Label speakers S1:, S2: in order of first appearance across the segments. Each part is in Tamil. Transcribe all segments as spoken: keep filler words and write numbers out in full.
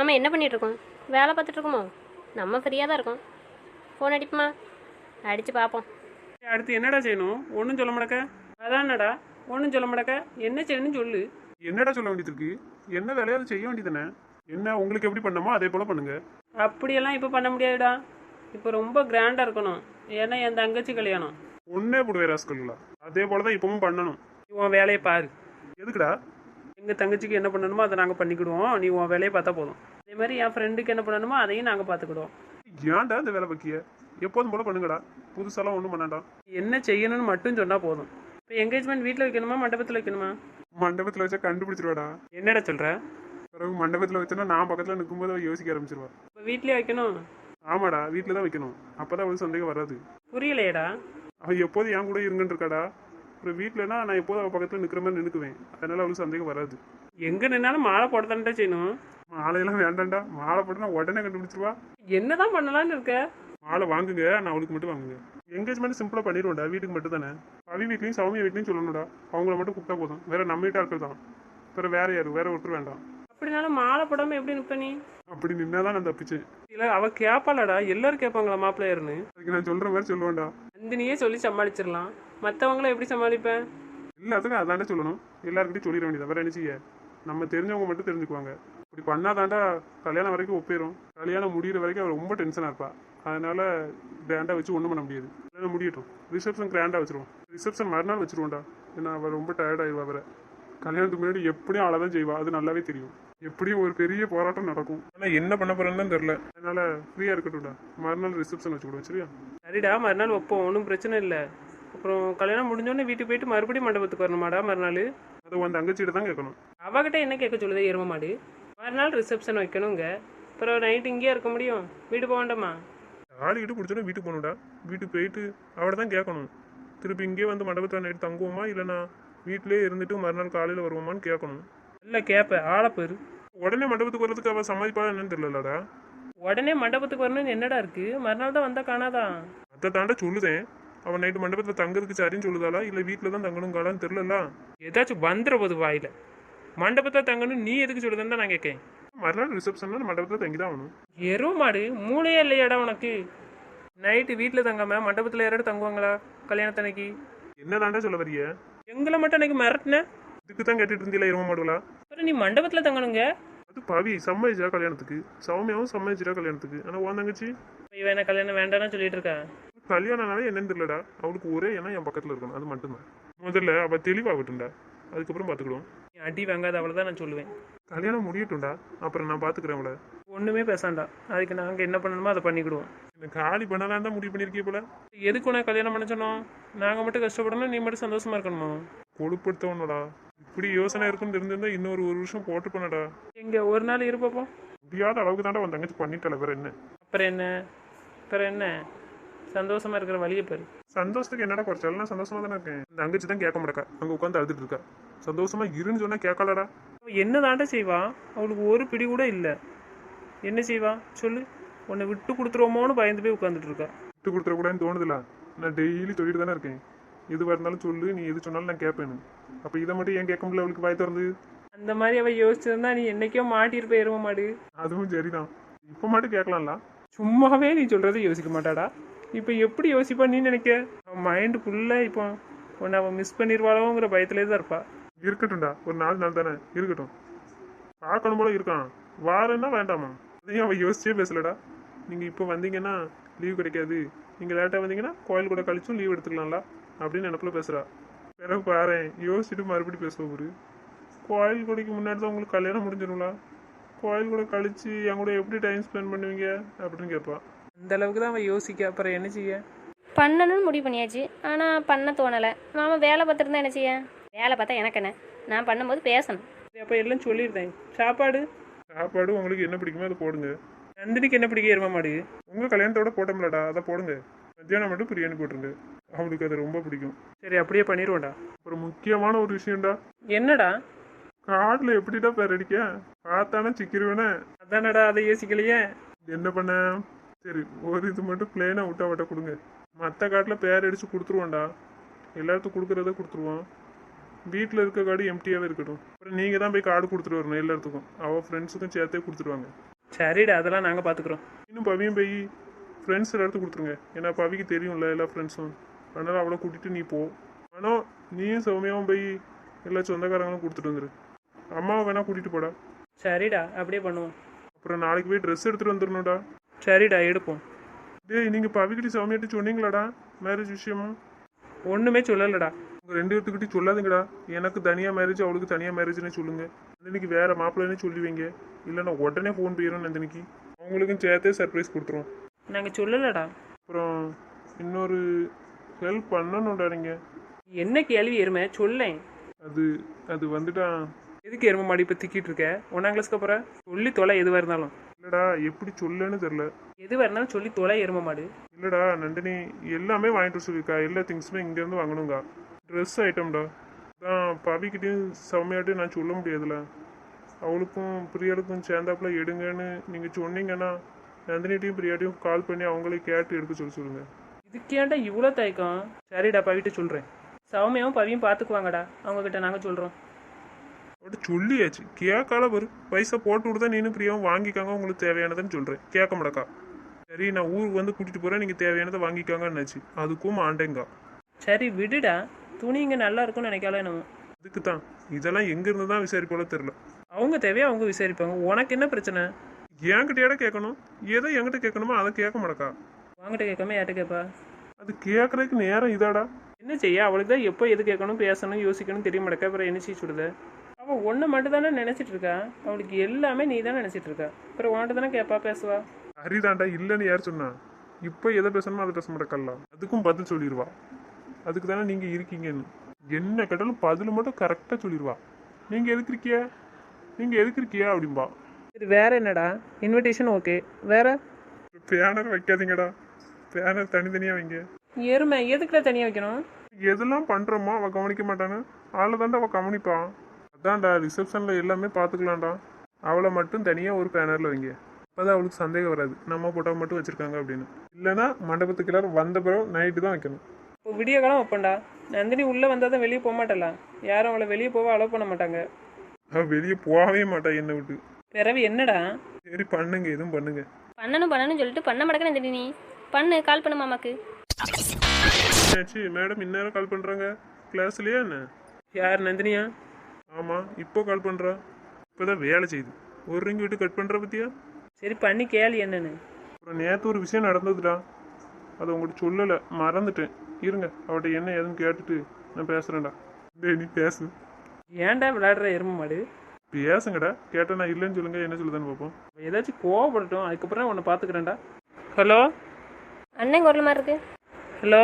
S1: நாம் என்ன பண்ணிகிட்ருக்கோம்? வேலை பார்த்துட்ருக்கோமோ? நம்ம ஃப்ரீயாக தான் இருக்கோம். ஃபோன் அடிப்புமா? அடித்து பார்ப்போம்.
S2: அடுத்து என்னடா செய்யணும்? ஒன்றும் சொல்ல மாட்டக்க. அதான்டா ஒன்றும் சொல்ல மாட்டக்க. என்ன செய்யணும்னு சொல்லு.
S3: என்னடா சொல்ல வேண்டியது இருக்கு? என்ன வேலையாவது செய்ய வேண்டியதானே? என்ன உங்களுக்கு எப்படி பண்ணமோ அதே போல பண்ணுங்க.
S2: அப்படியெல்லாம் இப்போ பண்ண முடியாதுடா. இப்போ ரொம்ப கிராண்டாக இருக்கணும். ஏன்னா என் தங்கச்சி கல்யாணம்.
S3: ஒன்னே போடுவே ராஸ்கல்லா. அதே போல தான் இப்பவும் பண்ணணும்.
S2: நீ உன் வேலையை பாரு.
S3: எதுக்குடா?
S2: எங்கள் தங்கச்சிக்கு என்ன பண்ணணுமோ அதை நாங்கள் பண்ணிக்கிடுவோம். நீ உன் வேலையை பார்த்தா போதும். அதே மாதிரி என் ஃப்ரெண்டுக்கு என்ன பண்ணணுமோ அதையும் நாங்கள் பார்த்துக்கிடுவோம்.
S3: ஏன்டா இந்த வேலை பக்கிய? எப்போதும் போல பண்ணுங்கடா. புதுசாலாம் ஒன்றும் பண்ணாண்டா.
S2: என்ன செய்யணும்னு மட்டும் சொன்னால் போதும். இப்போ என்கேஜ்மெண்ட் வீட்டில் வைக்கணுமா மண்டபத்தில் வைக்கணுமா?
S3: மண்டபத்தில் வச்சா கண்டுபிடிச்சிருவாடா.
S2: என்னடா சொல்கிற?
S3: பிறகு மண்டபத்தில் வச்சோன்னா நான் பக்கத்தில் நிற்கும்போது அவ யோசிக்க ஆரம்பிச்சிருவா.
S2: இப்போ வீட்லேயே வைக்கணும்?
S3: ஆமாடா, வீட்டில் தான் வைக்கணும். அப்போதான் அவளுக்கு சந்தேகம் வராது.
S2: புரியலையேடா.
S3: அவள் எப்போதும் என் கூட இருங்கன்னு இருக்காடா. அப்புறம் வீட்டிலனா நான் எப்போதும் அவள் பக்கத்தில் நிற்கிற மாதிரி நினைக்குவேன். அதனால அவளுக்கு சந்தேகம் வராது.
S2: எங்கே நின்னாலும் மாலை போட தானே செய்யணும்.
S3: மாலையெல்லாம் வேண்டாம்டா. மாலை போட்டு நான் உடனே கண்டுபிடிச்சிருவா.
S2: என்னதான் பண்ணலான்னு இருக்க?
S3: மாலை வாங்குங்க, நான் அவளுக்கு மட்டும் வாங்குங்க. என்கேஜ்மெண்ட் சிம்பிளாக பண்ணிடுவோம்டா. வீட்டுக்கு மட்டும் தானே. பவி வீட்லையும் சௌமியா வீட்லையும் சொல்லணும்டா. அவங்கள மட்டும் கூப்பிட்டா போதும். வேற நம்ம வீட்டாக இருக்கிறது தான். வேற வேற யாரும் வேற ஒருத்தர் வேண்டாம்.
S2: அப்படினாலும் மாலை போடாமல் எப்படி நிற்ப நீ?
S3: அப்படி நின்னா தான் நான் தப்பிச்சேன்.
S2: இல்லை அவள் கேட்பாளடா. எல்லாரும் கேட்பாங்களா மாப்பிள்ளையர்னு?
S3: அதுக்கு நான் சொல்கிற மாதிரி சொல்லுவேன்டா.
S2: நந்தினியே சொல்லி சமாளிச்சிடலாம். மற்றவங்கள எப்படி சமாளிப்பேன்?
S3: எல்லாத்துக்கும் அதாண்டா சொல்லணும். எல்லாருக்கிட்டையும் சொல்லிட வேண்டியது. வேற என்ன செய்ய? நம்ம தெரிஞ்சவங்க மட்டும் தெரிஞ்சுக்குவாங்க. இப்படி பண்ணாதாண்டா கல்யாணம் வரைக்கும் ஒப்பிடும். கல்யாணம் முடிகிற வரைக்கும் அவள் ரொம்ப டென்ஷனாக இருப்பா. அதனால கிராண்டாக வச்சு ஒன்றும் பண்ண முடியாது. கல்யாணம் முடியட்டும். ரிசப்ஷன் கிராண்டாக வச்சிருவோம். ரிசப்ஷன் மறுநாள் வச்சிருவோம்டா. ஏன்னா அவள் ரொம்ப டயர்ட் ஆயிடுவா. வேற கல்யாணத்துக்கு முன்னாடி எப்படியும் அழை தான் செய்வா. அது நல்லாவே தெரியும். எப்படியும் ஒரு பெரிய போராட்டம் நடக்கும். ஆனால் என்ன பண்ண போறேன்னு தெரியல. அதனால ஃப்ரீயாக இருக்கட்டும்டா. மறுநாள் ரிசப்ஷன் வச்சுக்கிடுவோம். சரியா?
S2: சரிடா, மறுநாள் வைப்போம். ஒன்றும் பிரச்சனை இல்லை. அப்புறம் கல்யாணம் முடிஞ்சோடனே வீட்டுக்கு போயிட்டு மறுபடியும் மண்டபத்துக்கு வரணுமாடா மறுநாள்?
S3: அதை உன் தங்கச்சிகிட்ட தான் கேட்கணும்.
S2: அவகிட்ட என்ன கேட்க சொல்லுதே எரும மாடு? மறுநாள் ரிசப்ஷன் வைக்கணுங்க. அப்புறம் நைட்டு இங்கேயே இருக்க முடியும்? வீடு போக வேண்டாமா?
S3: ஆடிக்கிட்டு பிடிச்சோன்னா வீட்டுக்கு போகணும்டா. வீட்டுக்கு போயிட்டு அவட தான் கேட்கணும். திருப்பி இங்கேயே வந்து மண்டபத்தில் நைட்டு தங்குவோமா இல்லைனா வீட்டிலே இருந்துட்டு மறுநாள் காலையில் வருவோமான்னு கேட்கணும்.
S2: இல்லை கேட்பேன். ஆளை பேர்
S3: உடனே மண்டபத்துக்கு வரதுக்கு அவள் சமாளிப்பா என்னன்னு தெரியலடா.
S2: உடனே மண்டபத்துக்கு வரணும்னு என்னடா இருக்கு? மறுநாள் தான் வந்தால் காணாதான்.
S3: அதை தாண்டா சொல்லுதேன். அவன் நைட்டு மண்டபத்தில் தங்குறதுக்கு சரின்னு சொல்லுதாளா இல்லை வீட்டில் தான் தங்கணுங்காளான்னு தெரியல.
S2: ஏதாச்சும் வந்துட போது வாயில். மண்டபத்தை தங்கணும் நீ எதுக்கு சொல்லுதுன்னு தான் நான் கேட்கேன்.
S3: மறுநாள் ரிசப்ஷன்ல மண்டபத்தில் தங்கி தான் ஆகணும்.
S2: எருவ மாடு மூளையே இல்லையாடா உனக்கு? நைட்டு வீட்டில் தங்காம மண்டபத்தில் யாராவது தங்குவாங்களா கல்யாணத்தன்னைக்கு?
S3: என்ன தாண்டா சொல்ல வரிய?
S2: எங்களை மட்டும் அன்னைக்கு மிரட்டின.
S3: இதுக்கு தான் கேட்டுட்டு இருந்தீங்களா இருவ மாடுகளா?
S2: அப்புறம் நீ மண்டபத்தில் தங்கணுங்க.
S3: அது பவி சம்மதிச்சா கல்யாணத்துக்கு. சௌமியாவும் சம்மதிச்சிட்டா கல்யாணத்துக்கு. ஆனால் உன் தங்கச்சி
S2: இவன் என்ன கல்யாணம் வேண்டாம்னு சொல்லிட்டு இருக்கா?
S3: கல்யாணம்னாலே என்னன்னு தெரியலடா. அவளுக்கு ஒரே எண்ணம் என் பக்கத்தில் இருக்கணும். அது மட்டும்தான். முதல்ல அவள் தெளிவாகட்டும்டா. அதுக்கப்புறம் பார்த்துக்கிடுவோம்.
S2: நீ அடி வாங்காத அவளை தான் நான் சொல்லுவேன்.
S3: கல்யாணம் முடியட்டும்டா. அப்புறம் நான் பார்த்துக்கிறேன் அவளை.
S2: ஒன்றுமே பேசாண்டா. அதுக்கு நாங்கள் என்ன பண்ணணுமோ அதை பண்ணிக்கிடுவோம்.
S3: இந்த காலி பண்ணலாம் தான் முடிவு பண்ணியிருக்கே போல.
S2: எதுக்கு உனக்கு கல்யாணம் பண்ண சொன்னோம்? நாங்கள் மட்டும் கஷ்டப்படணும், நீ மட்டும் சந்தோஷமா இருக்கணுமா?
S3: கொழுப்படுத்தவனடா. இப்படி யோசனை இருக்குன்னு தெரிஞ்சிருந்தா இன்னொரு ஒரு வருஷம் போட்டு பண்ணடா.
S2: எங்கே ஒரு நாள் இருப்பப்போ?
S3: முடியாத அளவுக்கு தாண்டா உன் தங்கச்சி பண்ணிட்டால. வேற என்ன?
S2: அப்புறம் என்ன? அப்புறம் என்ன? சந்தோஷமா இருக்கிற வழியை பேர்.
S3: சந்தோஷத்துக்கு என்னடா குறைச்சாலும் நான் சந்தோஷமா தானே இருக்கேன். இந்த தங்கச்சி தான் கேட்க மாட்டேக்கா. அங்கே உட்காந்து அழுதுட்டு இருக்கா. சந்தோஷமா இருன்னு சொன்னா கேட்கலடா.
S2: என்ன தாண்டா செய்வா? அவளுக்கு ஒரு பிடி கூட இல்லை. என்ன செய்வா சொல்லு? உன்னை விட்டு கொடுத்துருவோமோன்னு பயந்து போய் உட்காந்துட்டு இருக்கா.
S3: விட்டு கொடுத்துடக்கூடாதுன்னு தோணுதுல. நான் டெய்லி சொல்லிட்டு தானே இருக்கேன். எதுவாக இருந்தாலும் சொல்லு, நீ எது சொன்னாலும் நான் கேட்பேன்னு. அப்போ இதை மட்டும் ஏன் கேட்க முடியல அவளுக்கு வாய் திறந்து?
S2: அந்த மாதிரி அவள் யோசிச்சிருந்தா நீ என்னைக்கோ மாட்டியிருப்ப எருவ மாடு.
S3: அதுவும் சரிதான். இப்போ மட்டும் கேட்கலாம்ல.
S2: சும்மாவே நீ சொல்கிறத யோசிக்க மாட்டாடா. இப்போ எப்படி யோசிப்பா நீ நினைக்க? அவன் மைண்டு ஃபுல்லாக இப்போ உன்னை அவன் மிஸ் பண்ணிடுவாளோங்கிற பயத்திலே தான் இருப்பா.
S3: இருக்கட்டும்டா. ஒரு நாலு நாள் தானே இருக்கட்டும். பார்க்கணும் போல இருக்கான். வாரன்னா வேண்டாமா? அதையும் அவள் யோசிச்சே பேசலடா. நீங்கள் இப்போ வந்தீங்கன்னா லீவ் கிடைக்காது. நீங்கள் லேட்டாக வந்தீங்கன்னா கோயில் கூட கழிச்சும் லீவ் எடுத்துக்கலாம்ல அப்படின்னு நினப்பில் பேசுகிறா. பிறகு பாரு யோசிச்சுட்டு மறுபடியும் பேசுவோம். ஒரு கோயில் கொடைக்கு முன்னாடி தான் உங்களுக்கு கல்யாணம் முடிஞ்சிடும்ல. கோயில் கூட கழிச்சு என் கூட எப்படி டைம் ஸ்பெண்ட் பண்ணுவீங்க அப்படின்னு கேட்பா.
S2: அந்த அளவுக்கு தான் அவன் யோசிக்க. அப்புறம் என்ன செய்ய?
S1: பண்ணணும்னு முடிவு பண்ணியாச்சு. ஆனால் பண்ண தோணலை. மாமா வேலை பார்த்துருந்தா என்ன செய்ய? வேலை பார்த்தா எனக்கு என்ன? நான் பண்ணும்போது பேசணும்.
S2: அப்போ எல்லாம் சொல்லியிருந்தேன். சாப்பாடு
S3: சாப்பாடு உங்களுக்கு என்ன பிடிக்குமோ அதை போடுங்க.
S2: நந்தினிக்கு என்ன பிடிக்க எரும மாடு?
S3: உங்கள் கல்யாணத்தோட போட்டோம்லடா, அதை போடுங்க. மத்தியானம் மட்டும் பிரியாணி போட்டுருங்க. அவளுக்கு அது ரொம்ப பிடிக்கும்.
S2: சரி அப்படியே பண்ணிடுவோம்டா.
S3: அப்புறம் முக்கியமான ஒரு விஷயம்டா.
S2: என்னடா?
S3: காட்டில் எப்படிடா பேர் அடிக்க? பார்த்தானே சிக்கிருவேனே.
S2: அதானடா, அதை யோசிக்கலையே.
S3: என்ன பண்ண? சரி ஒரு இது மட்டும் பிளெயினாக விட்டா வட்ட கொடுங்க. மற்ற காட்டில் பேர் அடித்து கொடுத்துருவோம்டா. எல்லாத்துக்கும் கொடுக்குறத கொடுத்துருவோம். வீட்டில் இருக்க கார்டு எம்டியாகவே இருக்கட்டும். அப்புறம் நீங்கள் தான் போய் கார்டு கொடுத்துட்டு வரணும் எல்லாத்துக்கும். அவள் ஃப்ரெண்ட்ஸுக்கும் சேர்த்தே கொடுத்துருவாங்க.
S2: சரிடா அதெல்லாம் நாங்கள் பார்த்துக்குறோம்.
S3: இன்னும் பவியும் போய் ஃப்ரெண்ட்ஸ் எல்லாத்துக்கும் கொடுத்துருங்க. ஏன்னா பவிக்கு தெரியும்ல எல்லா ஃப்ரெண்ட்ஸும். அதனால் அவளை கூட்டிகிட்டு நீ போ. ஆனால் நீயும் சௌமியாவும் போய் எல்லா சொந்தக்காரங்களும் கொடுத்துட்டு வந்துரு. அம்மாவை வேணா கூட்டிகிட்டு போடா.
S2: சரிடா அப்படியே பண்ணுவோம்.
S3: அப்புறம் நாளைக்கு போய் ட்ரெஸ் எடுத்துகிட்டு வந்துடணும்டா.
S2: சரிடா எடுப்போம்.
S3: டேய் நீங்கள் பவிக்கிட்ட சௌமியாட்டி சொன்னீங்களாடா மேரேஜ் விஷயமா?
S2: ஒன்றுமே சொல்லலடா.
S3: உங்கள் ரெண்டு பேர்த்துக்கிட்டையும் சொல்லாதுங்கடா. எனக்கு தனியாக மேரேஜ் அவளுக்கு தனியாக மேரேஜ்னு சொல்லுங்கள். நந்தினிக்கு வேறு மாப்பிள்ளைன்னு சொல்லுவீங்க. இல்லைன்னா உடனே ஃபோன் போயிடும் நந்தினிக்கு. அவங்களுக்கும் சேர்த்தே சர்ப்ரைஸ் கொடுத்துருவோம்.
S2: நாங்கள் சொல்லலடா.
S3: அப்புறம் இன்னொரு ஹெல்ப் பண்ணணும்டா நீங்கள்.
S2: என்ன கேள்வி எருமை சொல்லேன்.
S3: அது அது வந்துட்டா.
S2: எதுக்கு எருமை மாடி இப்போ திக்கிட்டு இருக்க? ஒன்றாம் கிளாஸ்க்கு அப்புறம் சொல்லி தொலை எதுவாக இருந்தாலும்.
S3: இல்லைடா எப்படி சொல்லன்னு தெரில.
S2: எதுவாக இருந்தாலும் சொல்லி தொலை எருமை மாடு.
S3: இல்லைடா நந்தினி எல்லாமே வாங்கிட்டு சொல்லியிருக்கா. எல்லா திங்ஸுமே இங்கேருந்து வாங்கணுங்க. ட்ரெஸ் ஐட்டம்டா. அதான் பவிக்கிட்டையும் சௌமியாட்டையும் நான் சொல்ல முடியாதுல்ல. அவளுக்கும் பிரியாளுக்கும் சேர்ந்தாப்புல எடுங்கன்னு நீங்கள் சொன்னீங்கன்னா நந்தினிட்டையும் பிரியாட்டையும் கால் பண்ணி அவங்களே கேட்டு எடுக்க சொல்லி சொல்லுங்கள்.
S2: இதுக்கேண்டா இவ்வளோ தயக்கம்? சரிடா பவிட்ட சொல்கிறேன். சௌமியாவும் பவியும் பார்த்துக்குவாங்கடா. அவங்கக்கிட்ட நாங்கள் சொல்கிறோம்.
S3: அவட்ட சொல்லியாச்சு கேட்கால வரும். பைசா போட்டு விடுதா நீனும் பிரியாவும் வாங்கிக்காங்க. உங்களுக்கு தேவையானதுன்னு சொல்கிறேன். கேட்க மாட்டக்கா. சரி நான் ஊருக்கு வந்து கூட்டிகிட்டு போகிறேன். நீங்கள் தேவையானதை வாங்கிக்காங்கன்னாச்சு. அதுக்கும் ஆண்டேங்கா.
S2: சரி விடுடா. துணி இங்கே நல்லா இருக்கும்னு நினைக்கால நம்ம.
S3: அதுக்கு தான் இதெல்லாம் எங்கேருந்து தான் விசாரிப்போல தெரில.
S2: அவங்க தேவையா அவங்க விசாரிப்பாங்க. உனக்கு என்ன பிரச்சனை?
S3: என்கிட்டயாட கேட்கணும். ஏதோ என்கிட்ட கேட்கணுமோ அதை கேட்க மாட்டக்கா.
S2: வாங்கிட்ட கேட்காம யார்கிட்ட கேட்பா?
S3: அது கேட்கறதுக்கு நேரம் இதாடா.
S2: என்ன செய்ய? அவளுக்கு தான் எப்போ எது கேட்கணும் பேசணும் யோசிக்கணும் தெரிய மாட்டேக்கா. அப்புறம் என்ன செய்ய சொல்லுத? அவள் ஒன்றை மட்டும் தானே நினச்சிட்டு இருக்கா. அவளுக்கு எல்லாமே நீ தானே நினச்சிட்டு இருக்கா. அப்புறம் உன்கிட்ட தானே கேட்பா பேசுவா.
S3: சரிதாண்டா இல்லைன்னு யார் சொன்னா? இப்போ எதை பேசணுமோ அதை பேச மாட்டேக்கல்ல. அதுக்கும் பதில் சொல்லிடுவா. அதுக்கு தானே நீங்கள் இருக்கீங்கன்னு. என்ன கேட்டாலும் பதில் மட்டும் கரெக்டாக சொல்லிடுவா. நீங்கள் எதுக்கு இருக்கியா நீங்கள் எதுக்கு இருக்கியா அப்படின்பா.
S2: சரி வேற என்னடா? Invitation okay. வேற
S3: பேனர் வைக்காதீங்கடா. பேனர் தனித்தனியாக வைங்க.
S2: எருமை எதுக்குடா தனியாக வைக்கணும்?
S3: எதெல்லாம் பண்ணுறோமோ அவள் கவனிக்க மாட்டானு. ஆளை தாண்டா அவள் கவனிப்பான். அதான்டா ரிசப்ஷனில் எல்லாமே பார்த்துக்கலாம்டா. அவளை மட்டும் தனியாக ஒரு பேனரில் வைங்க. அப்போதான் அவளுக்கு சந்தேகம் வராது நம்ம போட்டோ மட்டும் வச்சுருக்காங்க அப்படின்னு. இல்லைன்னா மண்டபத்துக்கு எல்லாரும் வந்த பிறகு நைட்டு தான் வைக்கணும்.
S2: இப்போ விடிய காலம் வைப்பேன்டா. நந்தினி உள்ளே வந்தால் தான் வெளியே போக மாட்டலாம். யாரும் அவளை வெளியே போக அலோவ் பண்ண மாட்டாங்க.
S3: அவள் வெளியே போகவே மாட்டா என்னை விட்டு.
S2: பிறவி என்னடா?
S3: சரி பண்ணுங்க எதுவும் பண்ணுங்க.
S1: பண்ணணும் பண்ணணும்னு சொல்லிட்டு பண்ண மாட்டேங்கன்னு தெரியும். நீ பண்ணு, கால் பண்ணு மாமாக்கு.
S3: ஆச்சு மேடம் இந்நேரம் கால் பண்ணுறாங்க கிளாஸ்லையா என்ன?
S2: யார் நந்தினியா?
S3: ஆமாம் இப்போ கால் பண்ணுறா. இப்போ தான் வேலை செய்யுது. ஒரு ரிங் விட்டு கட் பண்ணுற பற்றியா?
S2: சரி பண்ணி கேளு என்னன்னு.
S3: அப்புறம் நேற்று ஒரு விஷயம் நடந்ததுடா. அதை உங்கள்கிட்ட சொல்லலை மறந்துட்டேன். இருங்க அவட்ட என்ன ஏதுன்னு கேட்டுட்டு நான் பேசுகிறேன்டா. டேய் நீ பேசு.
S2: ஏன்டா விளையாடுற எருமை மாடு?
S3: பேசுங்கடா. கேட்டால் நான் இல்லைன்னு சொல்லுங்க என்ன சொல்லுதான்னு பார்ப்போம்.
S2: ஏதாச்சும் கோவப்படட்டும். அதுக்கப்புறம் உன்னை பார்த்துக்கிறேன்டா. ஹலோ
S1: அண்ணன் குரல் மாதிரி இருக்கு.
S2: ஹலோ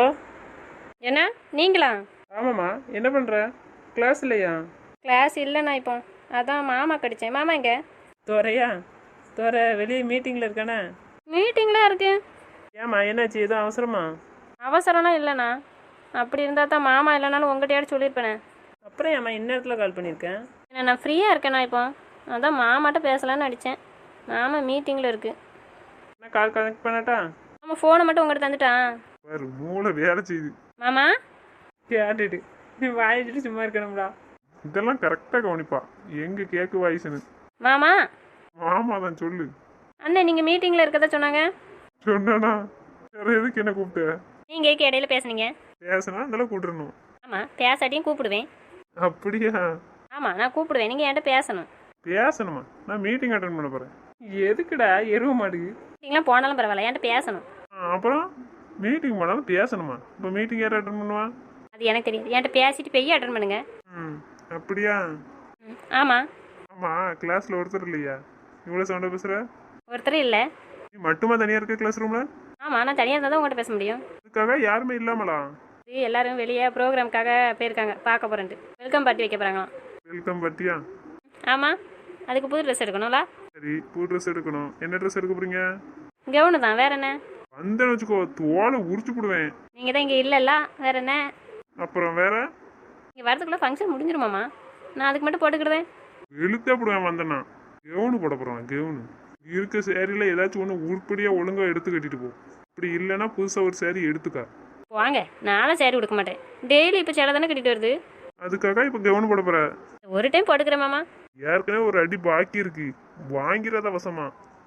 S1: என்ன நீங்களா?
S2: ஆமாம்மா என்ன பண்ணுற? கிளாஸ் இல்லையா?
S1: கிளாஸ் இல்லைண்ணா. இப்போ அதான் மாமா கடிச்சேன். மாமா எங்க?
S2: துறையா? துறை வெளியே மீட்டிங்கில் இருக்கானே.
S1: மீட்டிங்லாம் இருக்கு.
S2: ஏம்மா என்னாச்சு? எதுவும் அவசரமா?
S1: அவசரம்லாம் இல்லைண்ணா. அப்படி இருந்தால் தான் மாமா இல்லைனாலும் உங்கள்கிட்டயாவது சொல்லியிருப்பேனே.
S2: அப்புறம் ஏம்மா இந்நேரத்தில் கால் பண்ணியிருக்கேன்?
S1: என்ன நான் ஃப்ரீயாக இருக்கேண்ணா இப்போ. அதான் மாமாட்ட பேசலான்னு அடித்தேன். மாமா மீட்டிங்கில் இருக்குது.
S2: நான் கால் கனெக்ட் பண்ணட்டா?
S1: மாமா ஃபோனை மட்டும் உங்கள்கிட்ட தந்துட்டான்.
S3: வேறு மூளை வேலை செய்யுது.
S1: மாமா
S2: கேட்டுட்டு நீ வாயிச்சுட்டு சும்மா இருக்கணும்டா.
S3: இதெல்லாம் கரெக்டாக கவனிப்பா. எங்கே கேட்கு வாய்ஸ்னு.
S1: மாமா
S3: மாமா தான் சொல்லு.
S1: அண்ணன் நீங்கள் மீட்டிங்கில் இருக்கதா சொன்னாங்க.
S3: சொன்னானா? வேறு எதுக்கு என்ன கூப்பிட்ட?
S1: நீங்கள் ஏக்கு இடையில பேசுனீங்க.
S3: பேசினா அதெல்லாம் கூப்பிட்டுருணும்.
S1: ஆமாம் பேசாட்டியும் கூப்பிடுவேன்.
S3: அப்படியா?
S1: ஆமாம் நான் கூப்பிடுவேன். நீங்கள் என்கிட்ட பேசணும்.
S3: பேசணுமா? நான் மீட்டிங் அட்டன் பண்ண போகிறேன்.
S2: எதுக்குடா எருவ மாடு?
S1: மீட்டிங்லாம் போனாலும் பரவாயில்ல, என்கிட்ட பேசணும்.
S3: அப்புறம் மீட்டிங் போனாலும் பேசணுமா? இப்போ மீட்டிங் யார் அட்டன் பண்ணுவா?
S1: அது எனக்கு தெரியாது. என்கிட்ட பேசிட்டு போய் அட்டன் பண்ணுங்க.
S3: ம் அப்படியா?
S1: ம் ஆமாம்.
S3: ஆமாம் கிளாஸில் ஒருத்தர் இல்லையா? இவ்வளோ சவுண்டாக பேசுகிற?
S1: ஒருத்தர் இல்லை.
S3: நீ மட்டுமா தனியாக இருக்க கிளாஸ் ரூமில்?
S1: ஆமாம் நான் தனியாக இருந்தால் தான் உங்கள்கிட்ட பேச முடியும்.
S3: அதுக்காக யாருமே இல்லாமலா?
S1: இது எல்லாரும் வெளியே ப்ரோக்ராம்க்காக போயிருக்காங்க. பார்க்க போகிறேன்ட்டு வெல்கம் பார்ட்டி வைக்க போகிறாங்களாம்.
S3: வெல்கம் பார்ட்டியா?
S1: ஆமாம் அதுக்கு புது ட்ரெஸ் எடுக்கணும்ல.
S3: சரி புது ட்ரெஸ் எடுக்கணும். என்ன ட்ரெஸ் எடுக்க போகிறீங்க?
S1: கவுனு தான். வேற என்ன?
S3: வந்தேன்னு வச்சுக்கோ தோலை உரிச்சு போடுவேன்.
S1: நீங்கள் தான் இங்கே இல்லைல்ல. வேற என்ன?
S3: அப்புறம் வேற?
S1: இங்கே வரதுக்குள்ளே ஃபங்க்ஷன் முடிஞ்சிருமாம்மா. நான் அதுக்கு மட்டும் போட்டுக்கிடுவேன்.
S3: வெளுத்தா போடுவேன் வந்தேன்னா. கெவுனு போட போகிறேன். கெவுனு இருக்க சேரீல ஏதாச்சும் ஒன்று உருப்படியாக ஒழுங்காக எடுத்து கட்டிட்டு போ. இப்படி இல்லைன்னா புதுசாக ஒரு சேரீ எடுத்துக்கா.
S1: வாங்க நானும் சேரீ கொடுக்க மாட்டேன். டெய்லி இப்போ சேலை தானே கட்டிட்டு வருது.
S3: அதுக்காக இப்போ கெவுனு போட போகிற?
S1: ஒரு டைம் போட்டுக்கிறேன் மாமா.
S3: ஏற்கனவே ஒரு அடி பாக்கி இருக்கு. வாங்கிறத அவசமா.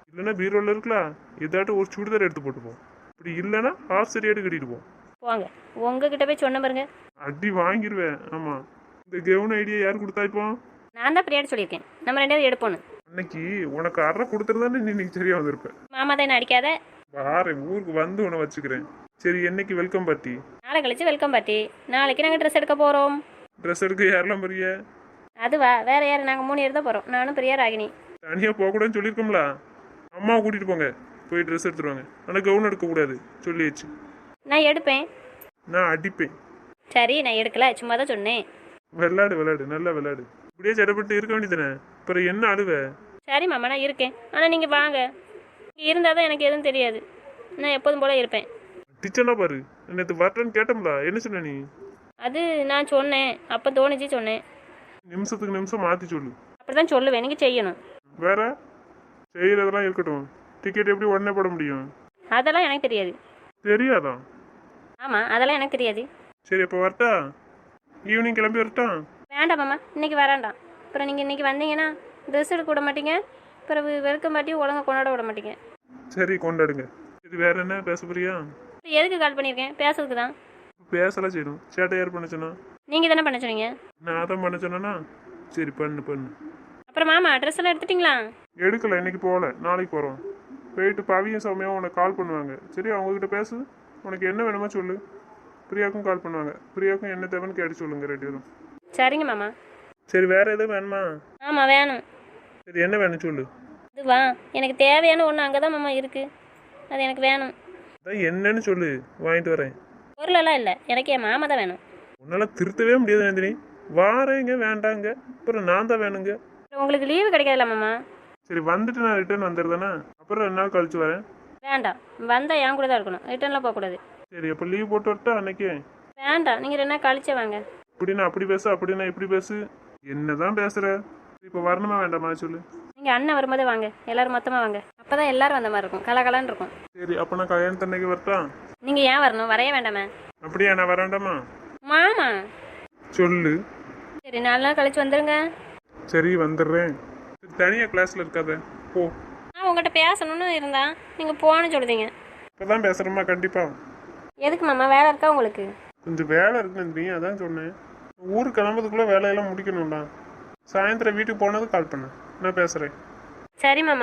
S3: இல்லைன்னா பீரோல இருக்கலாம் ஏதாட்டும் ஒரு சுடிதார் எடுத்து போட்டுப்போம். இப்படி இல்லைன்னா ஹாஃப் சரியாட்டு கட்டிட்டு போம்.
S1: போங்க, உங்ககிட்ட போய் சொன்ன பாருங்க.
S3: அடி வாங்கிடுவேன். ஆமா, இந்த கெவுன் ஐடியா யார் கொடுத்தா இப்போ?
S1: நான் தான் பிரியாடி சொல்லியிருக்கேன், நம்ம ரெண்டு பேரும் எடுப்போன்னு.
S3: அன்னைக்கு உனக்கு அரை கொடுத்துருந்தானே நீ இன்னைக்கு சரியா வந்திருப்ப.
S1: மாமா தான் என்ன அடிக்காத.
S3: வாரேன், ஊருக்கு வந்து உன்னை வச்சுக்கிறேன். சரி, என்னைக்கு வெல்கம் பார்ட்டி?
S1: நாளை கழிச்சு வெல்கம் பார்ட்டி. நாளைக்கு நாங்கள் ட்ரெஸ் எடுக்க போகிறோம்.
S3: ட்ரெஸ் எடுக்க யாரெல்லாம் பெரிய?
S1: அதுவா, வேற யார்? நாங்கள் மூணு பேர் தான் போகிறோம். நானும் பிரியா, ராகினி.
S3: தனியாக போகக்கூடாதுன்னு சொல்லியிருக்கோம்ல. அம்மாவை கூட்டிகிட்டு போங்க, போய் ட்ரெஸ் எடுத்துருவாங்க. ஆனால் கவுன் எடுக்கக்கூடாது சொல்லியாச்சு.
S1: நான் எடுப்பேன்.
S3: நான் அடிப்பேன்.
S1: சரி, நான் எடுக்கல, சும்மா தான் சொன்னேன்.
S3: விளையாடு விளையாடு, நல்லா விளையாடு. இப்படியே சடப்பட்டு இருக்க வேண்டியதானே, அப்புறம் என்ன அழுவ?
S1: சரி மாமா, நான் இருக்கேன். ஆனால் நீங்கள் வாங்க, இங்கே இருந்தால் தான் எனக்கு எதுவும் தெரியாது. நான் எப்போதும் போல இருப்பேன்.
S3: டிச்சனா பாரு, நேற்று வரட்டேன்னு கேட்டோம்ல, என்ன சொன்ன நீ?
S1: அது நான் சொன்னேன், அப்போ தோணுச்சு சொன்னேன்.
S3: நிமிஷத்துக்கு நிமிஷம் மாற்றி சொல்லு.
S1: அப்படி தான் சொல்லுவேன், நீங்கள் செய்யணும்.
S3: வேற செய்யறதெல்லாம் இருக்கட்டும், டிக்கெட் எப்படி உடனே போட முடியும்?
S1: அதெல்லாம் எனக்கு தெரியாது.
S3: தெரியாதா?
S1: ஆமாம், அதெல்லாம் எனக்கு தெரியாது.
S3: சரி, அப்போ வரட்டா? ஈவினிங் கிளம்பி வரட்டா?
S1: வேண்டாம் மாமா, இன்றைக்கி வராண்டாம். அப்புறம் நீங்கள் இன்றைக்கி வந்தீங்கன்னா ட்ரெஸ் எடுக்க விட மாட்டீங்க, அப்புறம் வெல்கம் பார்ட்டியும் ஒழுங்காக கொண்டாட விட மாட்டீங்க.
S3: சரி, கொண்டாடுங்க. இது வேற என்ன பேச போறியா?
S1: இப்போ எதுக்கு கால் பண்ணியிருக்கேன்? பேசுறதுக்கு தான்.
S3: பேசலாம் செய்யணும். சேட்டை யார் பண்ண சொன்னா?
S1: நீங்கள் தானே பண்ண சொன்னீங்க.
S3: நான் தான் பண்ண சொன்னேன்னா? சரி, பண்ணு பண்ணு.
S1: அப்புறம் மாமா, ட்ரெஸ் எல்லாம் எடுத்துட்டிங்களா?
S3: எடுக்கல, இன்னைக்கு போகல, நாளைக்கு போகிறோம். போயிட்டு பவியும் சௌமியாவும் உனக்கு கால் பண்ணுவாங்க. சரி, அவங்ககிட்ட பேசு. உனக்கு என்ன வேணுமோ சொல்லு. பிரியாவுக்கும் கால் பண்ணுவாங்க. பிரியாவுக்கும் என்ன தேவைன்னு கேட்டு சொல்லுங்க ரெண்டு பேரும்.
S1: சரிங்க மாமா.
S3: சரி, வேற எதுவும் வேணுமா?
S1: ஆமாம், வேணும்.
S3: சரி, என்ன வேணும் சொல்லு.
S1: இதுவா, எனக்கு தேவையான ஒன்று அங்கே தான் மாமா இருக்குது, அது எனக்கு வேணும்.
S3: அதான் என்னன்னு சொல்லு, வாங்கிட்டு வரேன்.
S1: பொருளெல்லாம் இல்லை, எனக்கு என் மாமா தான் வேணும்.
S3: உன்னால் திருத்தவே முடியாது நந்தினி. வாரேங்க வேண்டாங்க, அப்புறம் நான் தான் வேணுங்க.
S1: உங்களுக்கு லீவு கிடைக்காதுல்ல மாமா?
S3: சரி, வந்துட்டு நான் ரிட்டர்ன் வந்துடுதானே, அப்புறம் ரெண்டு நாள் கழிச்சு வரேன்.
S1: வேண்டாம், வந்தால் என் கூட தான் இருக்கணும், ரிட்டர்னில் போகக்கூடாது.
S3: சரி, அப்போ லீவ் போட்டு வரட்டா அன்னைக்கு?
S1: வேண்டாம், நீங்கள் ரெண்டு நாள் கழிச்சே வாங்க.
S3: இப்படின்னா அப்படி பேசு, அப்படின்னா இப்படி பேசு. என்னதான் பேசுற? இப்போ வரணுமா வேண்டாமா சொல்லு.
S1: நீங்கள் அண்ணன் வரும்போதே வாங்க, எல்லோரும் மொத்தமாக வாங்க. அப்போ தான் எல்லோரும் வந்த மாதிரி இருக்கும், கலகலன்னு இருக்கும்.
S3: சரி, அப்போ நான் கல்யாணத்தன்னைக்கு வரட்டா?
S1: நீங்கள் ஏன் வரணும்? வரைய வேண்டாமே.
S3: அப்படியா, நான் வரேன்டாமா?
S1: மாமா
S3: சொல்லு.
S1: சரி, நாலு நாள் கழிச்சு வந்துடுங்க.
S3: சரி, வந்துடுறேன். தனியாக கிளாஸில் இருக்காத, போ.
S1: நான் உங்கள்கிட்ட பேசணும்னு இருந்தா நீங்கள் போன்னு சொல்லுதீங்க.
S3: இப்போ தான் பேசுகிறேம்மா, கண்டிப்பாக.
S1: எதுக்கு மாமா, வேலை இருக்கா உங்களுக்கு?
S3: கொஞ்சம் வேலை இருக்கு நந்தினி, அதான் சொன்னேன். ஊருக்கு கிளம்புறதுக்குள்ளே வேலையெல்லாம் முடிக்கணும்டா. சாயந்தரம் வீட்டுக்கு போனது கால் பண்ணேன், நான் பேசுகிறேன்.
S1: சரி மாமா.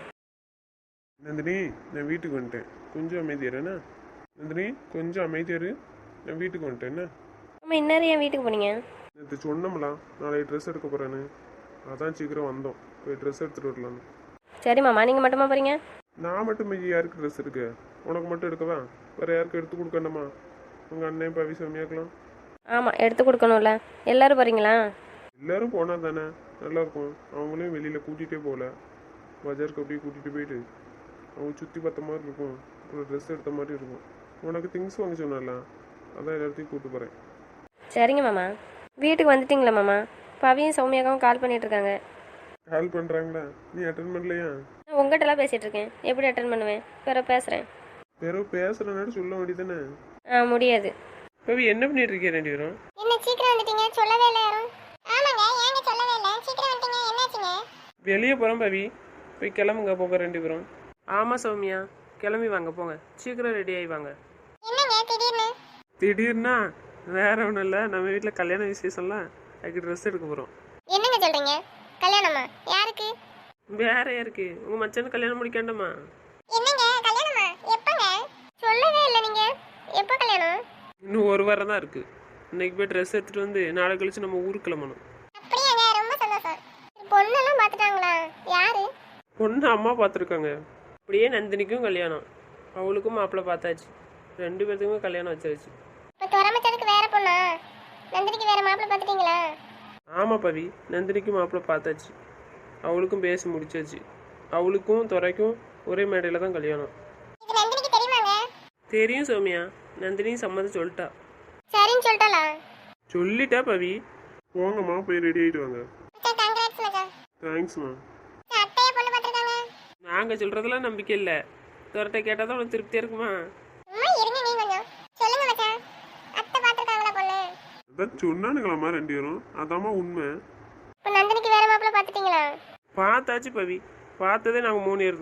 S3: நந்தினி, நான் வீட்டுக்கு வந்துட்டேன், கொஞ்சம் அமைதியாருண்ணா. நந்தினி, கொஞ்சம் அமைதியாரு, நான் வீட்டுக்கு வந்துட்டேன். என்ன
S1: அம்மா, இன்னும் ஏன் வீட்டுக்கு போனீங்க?
S3: நேற்று சொன்னோம்லாம் நாளைக்கு ட்ரெஸ் எடுக்க போகிறேன்னு, அதான் சீக்கிரம் வந்தோம், போய் ட்ரெஸ் எடுத்துகிட்டு வரலான்னு.
S1: சரி மாமா, நீங்கள் மட்டுமா போகிறீங்க?
S3: நான் மட்டும் மீதி யாருக்கு ட்ரெஸ் எடுக்க? உனக்கு மட்டும் எடுக்கவா? வேறு யாருக்கும் எடுத்து கொடுக்கணுமா? உங்கள் அண்ணன் பவி சமையாக்கலாம்.
S1: ஆமாம், எடுத்து கொடுக்கணும்ல. எல்லோரும் போகிறீங்களா?
S3: எல்லோரும் போனால் தானே நல்லாயிருக்கும். அவங்களையும் வெளியில் கூட்டிகிட்டே போகல, பஜாருக்கு அப்படியே கூட்டிகிட்டு போயிட்டு அவங்க சுற்றி பார்த்த மாதிரி இருக்கும், ஒரு ட்ரெஸ் எடுத்த மாதிரி இருக்கும். உனக்கு திங்ஸ் வாங்க சொன்னால, அதான் எல்லாத்தையும் கூப்பிட்டு போகிறேன்.
S1: சரிங்க மாமா. வீட்டுக்கு வந்துட்டிங்களா மாமா? பவியும் சௌமியாக்காவும் கால் பண்ணிகிட்ருக்காங்க.
S3: கால் பண்ணுறாங்களா? நீ அட்டன் பண்ணலையா?
S1: நான் உங்கள்கிட்டலாம் பேசிகிட்டு இருக்கேன், எப்படி அட்டன் பண்ணுவேன்? பிறகு பேசுகிறேன்.
S3: பிறகு பேசுகிறனால சொல்ல வேண்டியதானே?
S1: ஆ, முடியாது.
S2: பவி, என்ன பண்ணிட்டு இருக்கீங்க ரெண்டு பேரும்?
S4: என்ன சீக்கிரம் வந்துட்டீங்க? சொல்லவே இல்லை யாரும். ஆமாங்க, ஏங்க சொல்லவே இல்லை? சீக்கிரம் வந்துட்டீங்க, என்னாச்சுங்க?
S2: வெளியே போகிறோம் பவி, போய் கிளம்புங்க போக ரெண்டு பேரும். ஆமாம் சௌமியா, கிளம்பி வாங்க, போங்க, சீக்கிரம் ரெடி ஆகி வாங்க.
S4: என்னங்க திடீர்னு?
S2: திடீர்னா வேற ஒன்றும் இல்லை, நம்ம வீட்டில் கல்யாண விசேஷம்லாம், அதுக்கு ட்ரெஸ் எடுக்க போகிறோம்.
S4: என்னங்க சொல்றீங்க? கல்யாணமா? யாருக்கு?
S2: வேற யாருக்கு? உங்கள் மச்சானுக்கு கல்யாணம் முடிக்காண்டமா?
S4: என்னங்க கல்யாணமா? எப்பங்க? சொல்லவே இல்லை நீங்க. எப்போ கல்யாணம்?
S2: இன்னும் ஒரு வாரம் தான் இருக்குது. இன்னைக்கு போய் ட்ரெஸ் எடுத்துகிட்டு வந்து நாளை கழிச்சு நம்ம ஊருக்கு கிளம்பணும்.
S4: அப்படியாங்க, ரொம்ப சந்தோஷம். பொண்ணெல்லாம் பார்த்துட்டாங்களா? யாரு?
S2: பொண்ணு அம்மா பார்த்துருக்காங்க. அப்படியே நந்தினிக்கும் கல்யாணம், அவளுக்கும் மாப்பிள்ளை பார்த்தாச்சு, ரெண்டு பேர்த்துக்குமே கல்யாணம் வச்சாச்சு.
S4: இப்போ துறமச்சதுக்கு வேற பொண்ணா? நந்தினிக்கு வேற மாப்பிள்ளை பார்த்துட்டீங்களா?
S2: ஆமாம் பவி, நந்தினிக்கும் மாப்பிள்ளை பார்த்தாச்சு, அவளுக்கும் பேசி முடிச்சாச்சு. அவளுக்கும் துறைக்கும் ஒரே மேடையில் தான் கல்யாணம்.
S4: இது நந்தினிக்கு தெரியுமாங்க?
S2: தெரியும் சௌமியா, நந்தினியும் சம்மதம் சொல்லிட்டா.
S4: சரின்னு சொல்லிட்டாளா?
S2: சொல்லிட்டா பவி.
S3: போங்கம்மா, போய் ரெடி ஆகிட்டு வாங்க.
S4: மச்சான், கங்க்ராட்ஸ் மச்சான்.
S3: தேங்க்ஸ்மா.
S4: அத்தையை பொண்ணு பார்த்துருக்காங்க.
S2: நாங்கள் சொல்கிறதெல்லாம் நம்பிக்கை இல்லை, துரட்டை கேட்டால் தான் உனக்கு திருப்தியாக இருக்குமா?
S4: சும்மா இருங்க நீ கொஞ்சம். சொல்லுங்க மச்சான், அத்தை பார்த்துருக்காங்களா பொண்ணு?
S3: அதான் சொன்னானுங்களாம்மா ரெண்டு பேரும், அதாம்மா உண்மை.
S4: இப்போ நந்தினிக்கு வேற மாப்பிள்ளை பார்த்துட்டீங்களா?
S2: பார்த்தாச்சு பவி, பார்த்ததே நாங்கள் மூணு பேர் தான்.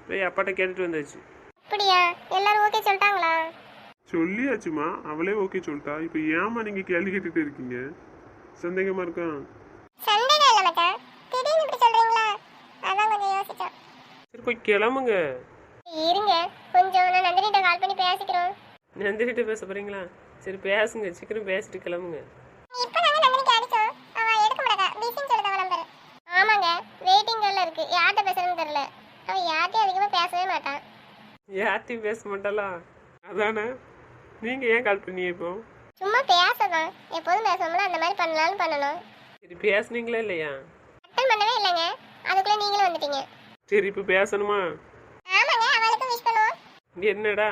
S2: போய் அப்பாட்ட கேட்டுட்டு வந்தாச்சு.
S4: அப்படியா? எல்லாரும் ஓகே சொல்லிட்டாங்களா?
S3: சொல்லியாச்சுமா, அவளே ஓகே சொல்லிட்டா. இப்போ ஏமா நீங்க கேள்வி கேட்டுட்டு இருக்கீங்க? சந்தேகமா இருக்கா?
S4: சண்டைதான் இல்ல மச்சான், திடீர்னு இப்படி சொல்றீங்களா? அதான் கொஞ்சம் யோசிச்சோம்.
S2: சரி போய் கிளம்புங்க.
S4: இருங்க கொஞ்சம், நான் நந்தினிட்ட கால் பண்ணி பேசிக்கிறோம்.
S2: நந்தினிட்ட பேச போறீங்களா? சரி பேசுங்க, சீக்கிரம் பேசிட்டு கிளம்புங்க.
S4: இப்போ நாங்க நந்தினிக்கு அடிச்சோம், அவ எடுக்க மாட்டா, பிஸின்னு சொல்லுதா நம்பர். ஆமாங்க, வெயிட்டிங்ல இருக்கு, யார்கிட்ட பேசுறதுன்னு தெரியல. அவ யார்கிட்டயும் அதிகமா பேசவே மாட்டான்.
S2: யார்ட்டையும் பேச மாட்டாளா? அதானே. நீங்கள் ஏன் கால் பண்ணீங்க இப்போ?
S4: சும்மா பேசதான், எப்போதும் பேசுவோம்ல, அந்த மாதிரி பண்ணலாம்னு பண்ணணும்.
S2: சரி பேசுனீங்களா இல்லையா?
S4: அட்டன் பண்ணவே இல்லைங்க, அதுக்குள்ள நீங்களும் வந்துட்டீங்க.
S2: சரி இப்போ பேசணுமா?
S4: ஆமாங்க, அவளுக்கும் விஷ் பண்ணுவோம்.
S2: என்னடா?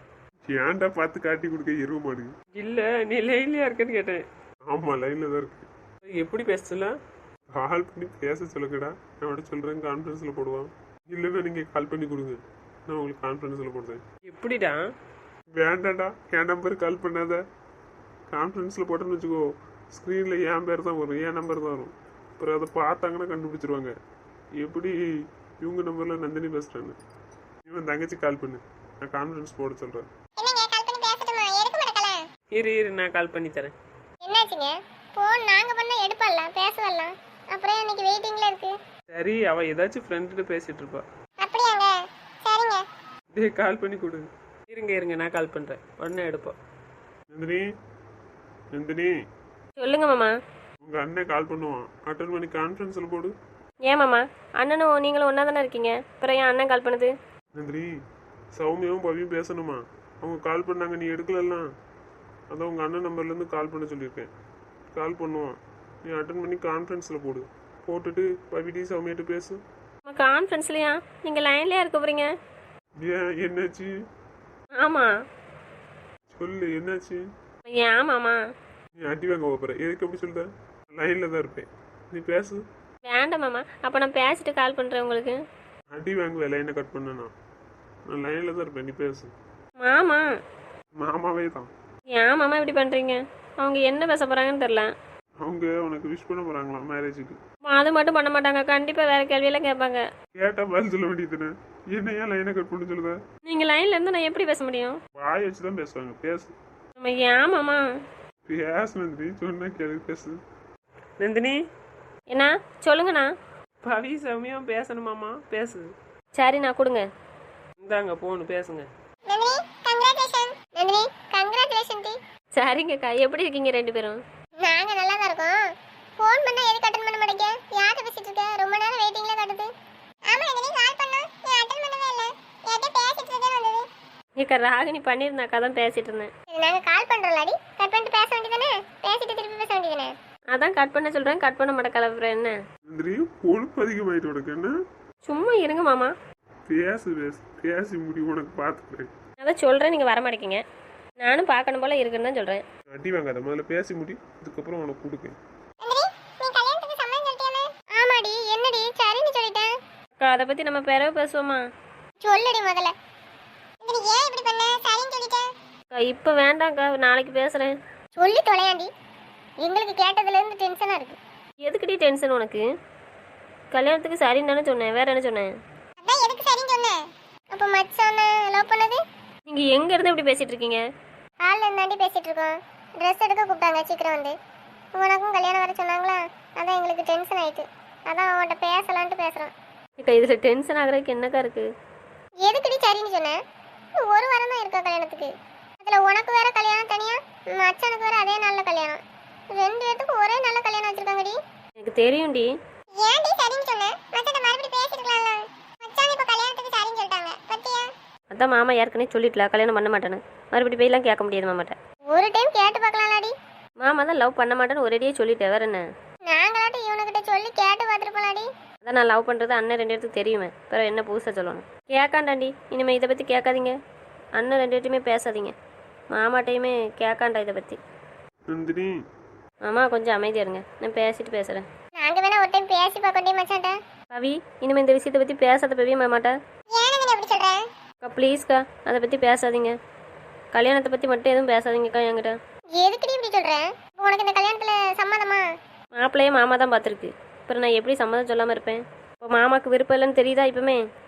S3: ஏன்டா பார்த்து காட்டி கொடுக்க எருவ மாடு?
S2: இல்லை நீ லைன்லையா இருக்கேன்னு கேட்டேன்.
S3: ஆமா, லைன்ல தான் இருக்கு.
S2: எப்படி பேசலாம்?
S3: கால் பண்ணி பேச சொல்லுங்கடா, நான் அவட சொல்றேன், கான்ஃபரன்ஸ்ல போடுவான். இல்லைன்னா நீங்க கால் பண்ணி கொடுங்க, நான் உங்களுக்கு கான்ஃபரன்ஸ்ல போடுறேன்.
S2: எப்படிடா?
S3: வேண்டாம்டா, என் நம்பர் கால் பண்ணாத. கான்ஃபரன்ஸில் போட்டேன்னு வச்சுக்கோ, ஸ்க்ரீனில் என் பேர் தான் வரும், என் நம்பர் தான் வரும். அப்புறம் அதை பார்த்தாங்கன்னா கண்டுபிடிச்சிருவாங்க எப்படி இவங்க நம்பரில் நந்தினி பேசுகிறான்னு. இவன் தங்கச்சி கால் பண்ணு, நான் கான்ஃபரன்ஸ் போட சொல்கிறேன்.
S4: என்னங்க கால் பண்ணி பேசட்டுமா? எடுக்க மாட்டேக்கல.
S2: இரு இரு நான் கால் பண்ணி தரேன்.
S4: என்னாச்சுங்க? போன் நாங்க பண்ணா எடுப்பலாம், பேசவலாம். அப்புறம் இன்னைக்கு வெயிட்டிங்ல இருக்கு.
S2: சரி அவள் ஏதாச்சும் ஃப்ரெண்ட்கிட்ட பேசிட்டு இருப்பா.
S4: அப்படியாங்க? சரிங்க.
S2: டே கால் பண்ணி கொடு. இருங்க இருங்க நான் கால் பண்ணுறேன், உடனே எடுப்போம்.
S3: நந்தினி, நந்தினி,
S1: சொல்லுங்க மாமா.
S3: உங்கள் அண்ணன் கால் பண்ணுவான், அட்டன் பண்ணி கான்ஃபரன்ஸில் போடு.
S1: ஏன் மாமா, அண்ணனும் நீங்களும் ஒன்றா தானே இருக்கீங்க, அப்புறம் ஏன் அண்ணன் கால் பண்ணுது?
S3: நந்தினி, சௌமியாவும் பவியும் பேசணுமா? அவங்க கால் பண்ணாங்க, நீ எடுக்கலலாம். அதான் உங்கள் அண்ணன் நம்பர்லேருந்து கால் பண்ண சொல்லியிருக்கேன். கால் பண்ணுவான், நீ அட்டன் பண்ணி கான்ஃபரன்ஸில் போடு. போட்டுட்டு பவிடி சௌமியாட்டு பேசு.
S1: நம்ம கான்ஃபரன்ஸ்லையா? நீங்கள் லைன்லேயே இருக்க போகிறீங்க?
S3: ஏன், என்னாச்சு?
S1: ஆமாம்.
S3: சொல்லு, என்னாச்சு?
S1: ஏன் மாமா?
S3: நீ அடி வாங்க போகிற, எதுக்கு அப்படி சொல்லுத? லைனில் தான் இருப்பேன், நீ பேசு.
S1: வேண்டாம் மாமா, அப்போ நான் பேசிட்டு கால் பண்ணுறேன் உங்களுக்கு.
S3: அடி வாங்குவேன் லைனை கட் பண்ணனா? நான் லைனில் தான் இருப்பேன், நீ பேசு.
S1: மாமா.
S3: மாமாவே தான்.
S1: ஏன் மாமா இப்படி பண்ணுறீங்க? அவங்க என்ன பேச போகிறாங்கன்னு தெரில.
S3: அவங்க உனக்கு விஷ் பண்ண போகிறாங்களாம் மேரேஜுக்கு.
S1: அது மட்டும் பண்ண மாட்டாங்க, கண்டிப்பாக வேறு கேள்வியெல்லாம் கேட்பாங்க.
S3: கேட்டால் பதில் சொல்ல வேண்டியதுன்னு என்ன ஏன் லைனை கட் பண்ண சொல்லுத?
S1: நீங்கள் லைனில் இருந்து நான் எப்படி பேச முடியும்?
S3: வாய் வச்சு தான் பேசுவாங்க, பேசு.
S1: நம்ம ஏன் மாமா?
S3: பேசு நந்தினி, சொன்னா கேளு, பேசு.
S2: நந்தினி,
S1: என்ன சொல்லுங்கண்ணா.
S2: பவி சௌமியாவும் பேசணுமாம்மா, பேசு.
S1: சரி நான் கொடுங்க.
S2: இந்தாங்க போன்னு பேசுங்க.
S4: நந்தினி கங்க்ராச்சுலேஷன். நந்தினி கங்க்ராச்சுலேஷன் டி.
S1: சரிங்கக்கா, எப்படி இருக்கீங்க ரெண்டு பேரும்?
S4: நாங்க நல்லா தான் இருக்கோம். ஃபோன் பண்ணா எதுக்கு அட்டெண்ட் பண்ண மாட்டேங்க? யார்கிட்ட பேசிட்டு இருக்க? ரொம்ப நேரம் வெயிட்டிங்ல காட்டுது. ஆமா நந்தினி, கால் பண்ணா நீ அட்டெண்ட் பண்ணவே இல்ல. யார்கிட்ட பேசிட்டு இருக்கேன்னு வந்தது.
S1: ஏக்கா ராகினி பண்ணியிருந்தாக்கா தான் பேசிட்டு இருந்தேன்.
S4: சரி, நாங்க கால் பண்றோம்லாடி, கட் பண்ணிட்டு பேச வேண்டியதானே? பேசிட்டு திருப்பி பேச வேண்டியதானே?
S1: அதான் கட் பண்ண சொல்கிறேன், கட் பண்ண மாட்டேன் கலப்புறேன் என்ன?
S3: நந்தினி, கொழுப்பு அதிகமாயிட்டு உனக்கு என்ன?
S1: சும்மா இருங்க மாமா.
S3: பேசு பேசு, பேசி முடிவு உனக்கு பார்த்துக்கிறேன்.
S1: அதான் சொல்கிறேன், நீங்கள் வர மாட்டேங்கிங்க. நானும் பார்க்கணும் போல் இருக்குன்னு தான் சொல்கிறேன்.
S3: அடி வாங்காத, முதல்ல பேசி முடி, அதுக்கப்புறம் உனக்கு கொடுக்கேன்.
S4: நந்தினி நீ கல்யாணத்துக்கு சம்மதம் சொல்லிட்டியாமே? ஆமாடி. என்னடி சரின்னு சொல்லிட்டேன்.
S1: அக்கா அதை பற்றி நம்ம பிறகு பேசுவோமா?
S4: சொல்லுடி முதல்ல. நந்தினி ஏன் இப்படி பண்ண? சரின்னு சொல்லிட்டேன்.
S1: அக்கா இப்போ வேண்டாம்க்கா, நாளைக்கு பேசுகிறேன்.
S4: சொல்லி தொலையாண்டி, எங்களுக்கு கேட்டதுல இருந்து டென்ஷனா இருக்கு.
S1: எதுக்குடி டென்ஷன் உனக்கு? கல்யாணத்துக்கு சரின்னு தானே சொன்னேன், வேற என்ன சொன்னேன்?
S4: அதான் எதுக்கு சரின்னு சொன்னேன். அப்போ மச்சான லவ் பண்ணது?
S1: நீங்கள் எங்கே இருந்து இப்படி பேசிகிட்டு இருக்கீங்க?
S4: ஹாலில் இருந்தாண்டி பேசிட்டு இருக்கோம். ட்ரெஸ் எடுக்க கூப்பிட்டாங்க, சீக்கிரம் வந்து. உனக்கும் கல்யாணம் வர சொன்னாங்களா, அதான் எங்களுக்கு டென்ஷன் ஆயிட்டு. அதான் அவன்கிட்ட பேசலான்ட்டு பேசுகிறோம்.
S1: அக்கா இதில் டென்ஷன் ஆகுறதுக்கு என்னக்கா இருக்குது?
S4: எதுக்குடி சரின்னு சொன்னேன்? இன்னும் ஒரு வாரம் தான் இருக்கா கல்யாணத்துக்கு. அதில் உனக்கு வேற கல்யாணம் தனியா, மச்சானுக்கு வேற அதே நாளில் கல்யாணம். ரெண்டு பேத்துக்கும் ஒரே நல்ல கல்யாணம் வச்சிருக்காங்கடி.
S1: எனக்கு தெரியும்டி.
S4: ஏன்டி சரின்னு சொன்னேன்? மச்சான் மறுபடியும் பேசிருக்கலாம்ல. மச்சான் இப்போ கல்யாணத்துக்கு சரின்னு சொல்லிட்டாங்க, பத்தியா?
S1: அதான் மாமா ஏற்கனவே சொல்லிட்டல கல்யாணம் பண்ண மாட்டேன்னு. மறுபடியும் போயெல்லாம் கேட்க முடியாது மாமாட்ட.
S4: ஒரு டைம் கேட்டு பார்க்கலாம்லாடி.
S1: மாமா தான் லவ் பண்ண மாட்டேன்னு ஒரேடியே சொல்லிட்டேன், வேற என்ன?
S4: நாங்களாட்டும் இவனுக்கிட்ட சொல்லி கேட்டு பார்த்துருப்போம்லாடி.
S1: அதான் நான் லவ் பண்ணுறது அண்ணன் ரெண்டு இடத்துக்கு தெரியுமே, பிறகு என்ன புதுசாக சொல்லணும்? கேட்காண்டாண்டி, இனிமேல் இதை பற்றி கேட்காதீங்க. அண்ணன் ரெண்டு இடத்தையுமே பேசாதீங்க, மாமாட்டையுமே கேட்காண்டா இதை பற்றி.
S3: நந்தினி,
S1: மாமா கொஞ்சம் அமைதியாக இருங்க, நான் பேசிட்டு பேசுகிறேன்.
S4: நாங்க வேணா ஒரு டைம் பேசி பார்க்கண்டே மச்சான்ட்ட.
S1: பவி, இனிமேல் இந்த விஷயத்தை பற்றி பேசாத பவி மாமாட்டா.
S4: ஏன் நீ எப்படி சொல்ற?
S1: அக்கா ப்ளீஸ்க்கா, அதை பற்றி பேசாதீங்க. கல்யாணத்தை பற்றி மட்டும் எதுவும் பேசாதீங்கக்கா என்கிட்ட.
S4: எதுக்குடி இப்படி சொல்ற? இப்போ உனக்கு இந்த கல்யாணத்துல சம்மதமா?
S1: மாப்பிள்ளையே மாமா தான் பார்த்துருக்கு, அப்புறம் நான் எப்படி சம்மதம் சொல்லாமல் இருப்பேன்? இப்போ மாமாவுக்கு விருப்பம் இல்லைன்னு தெரியுதா இப்போமே?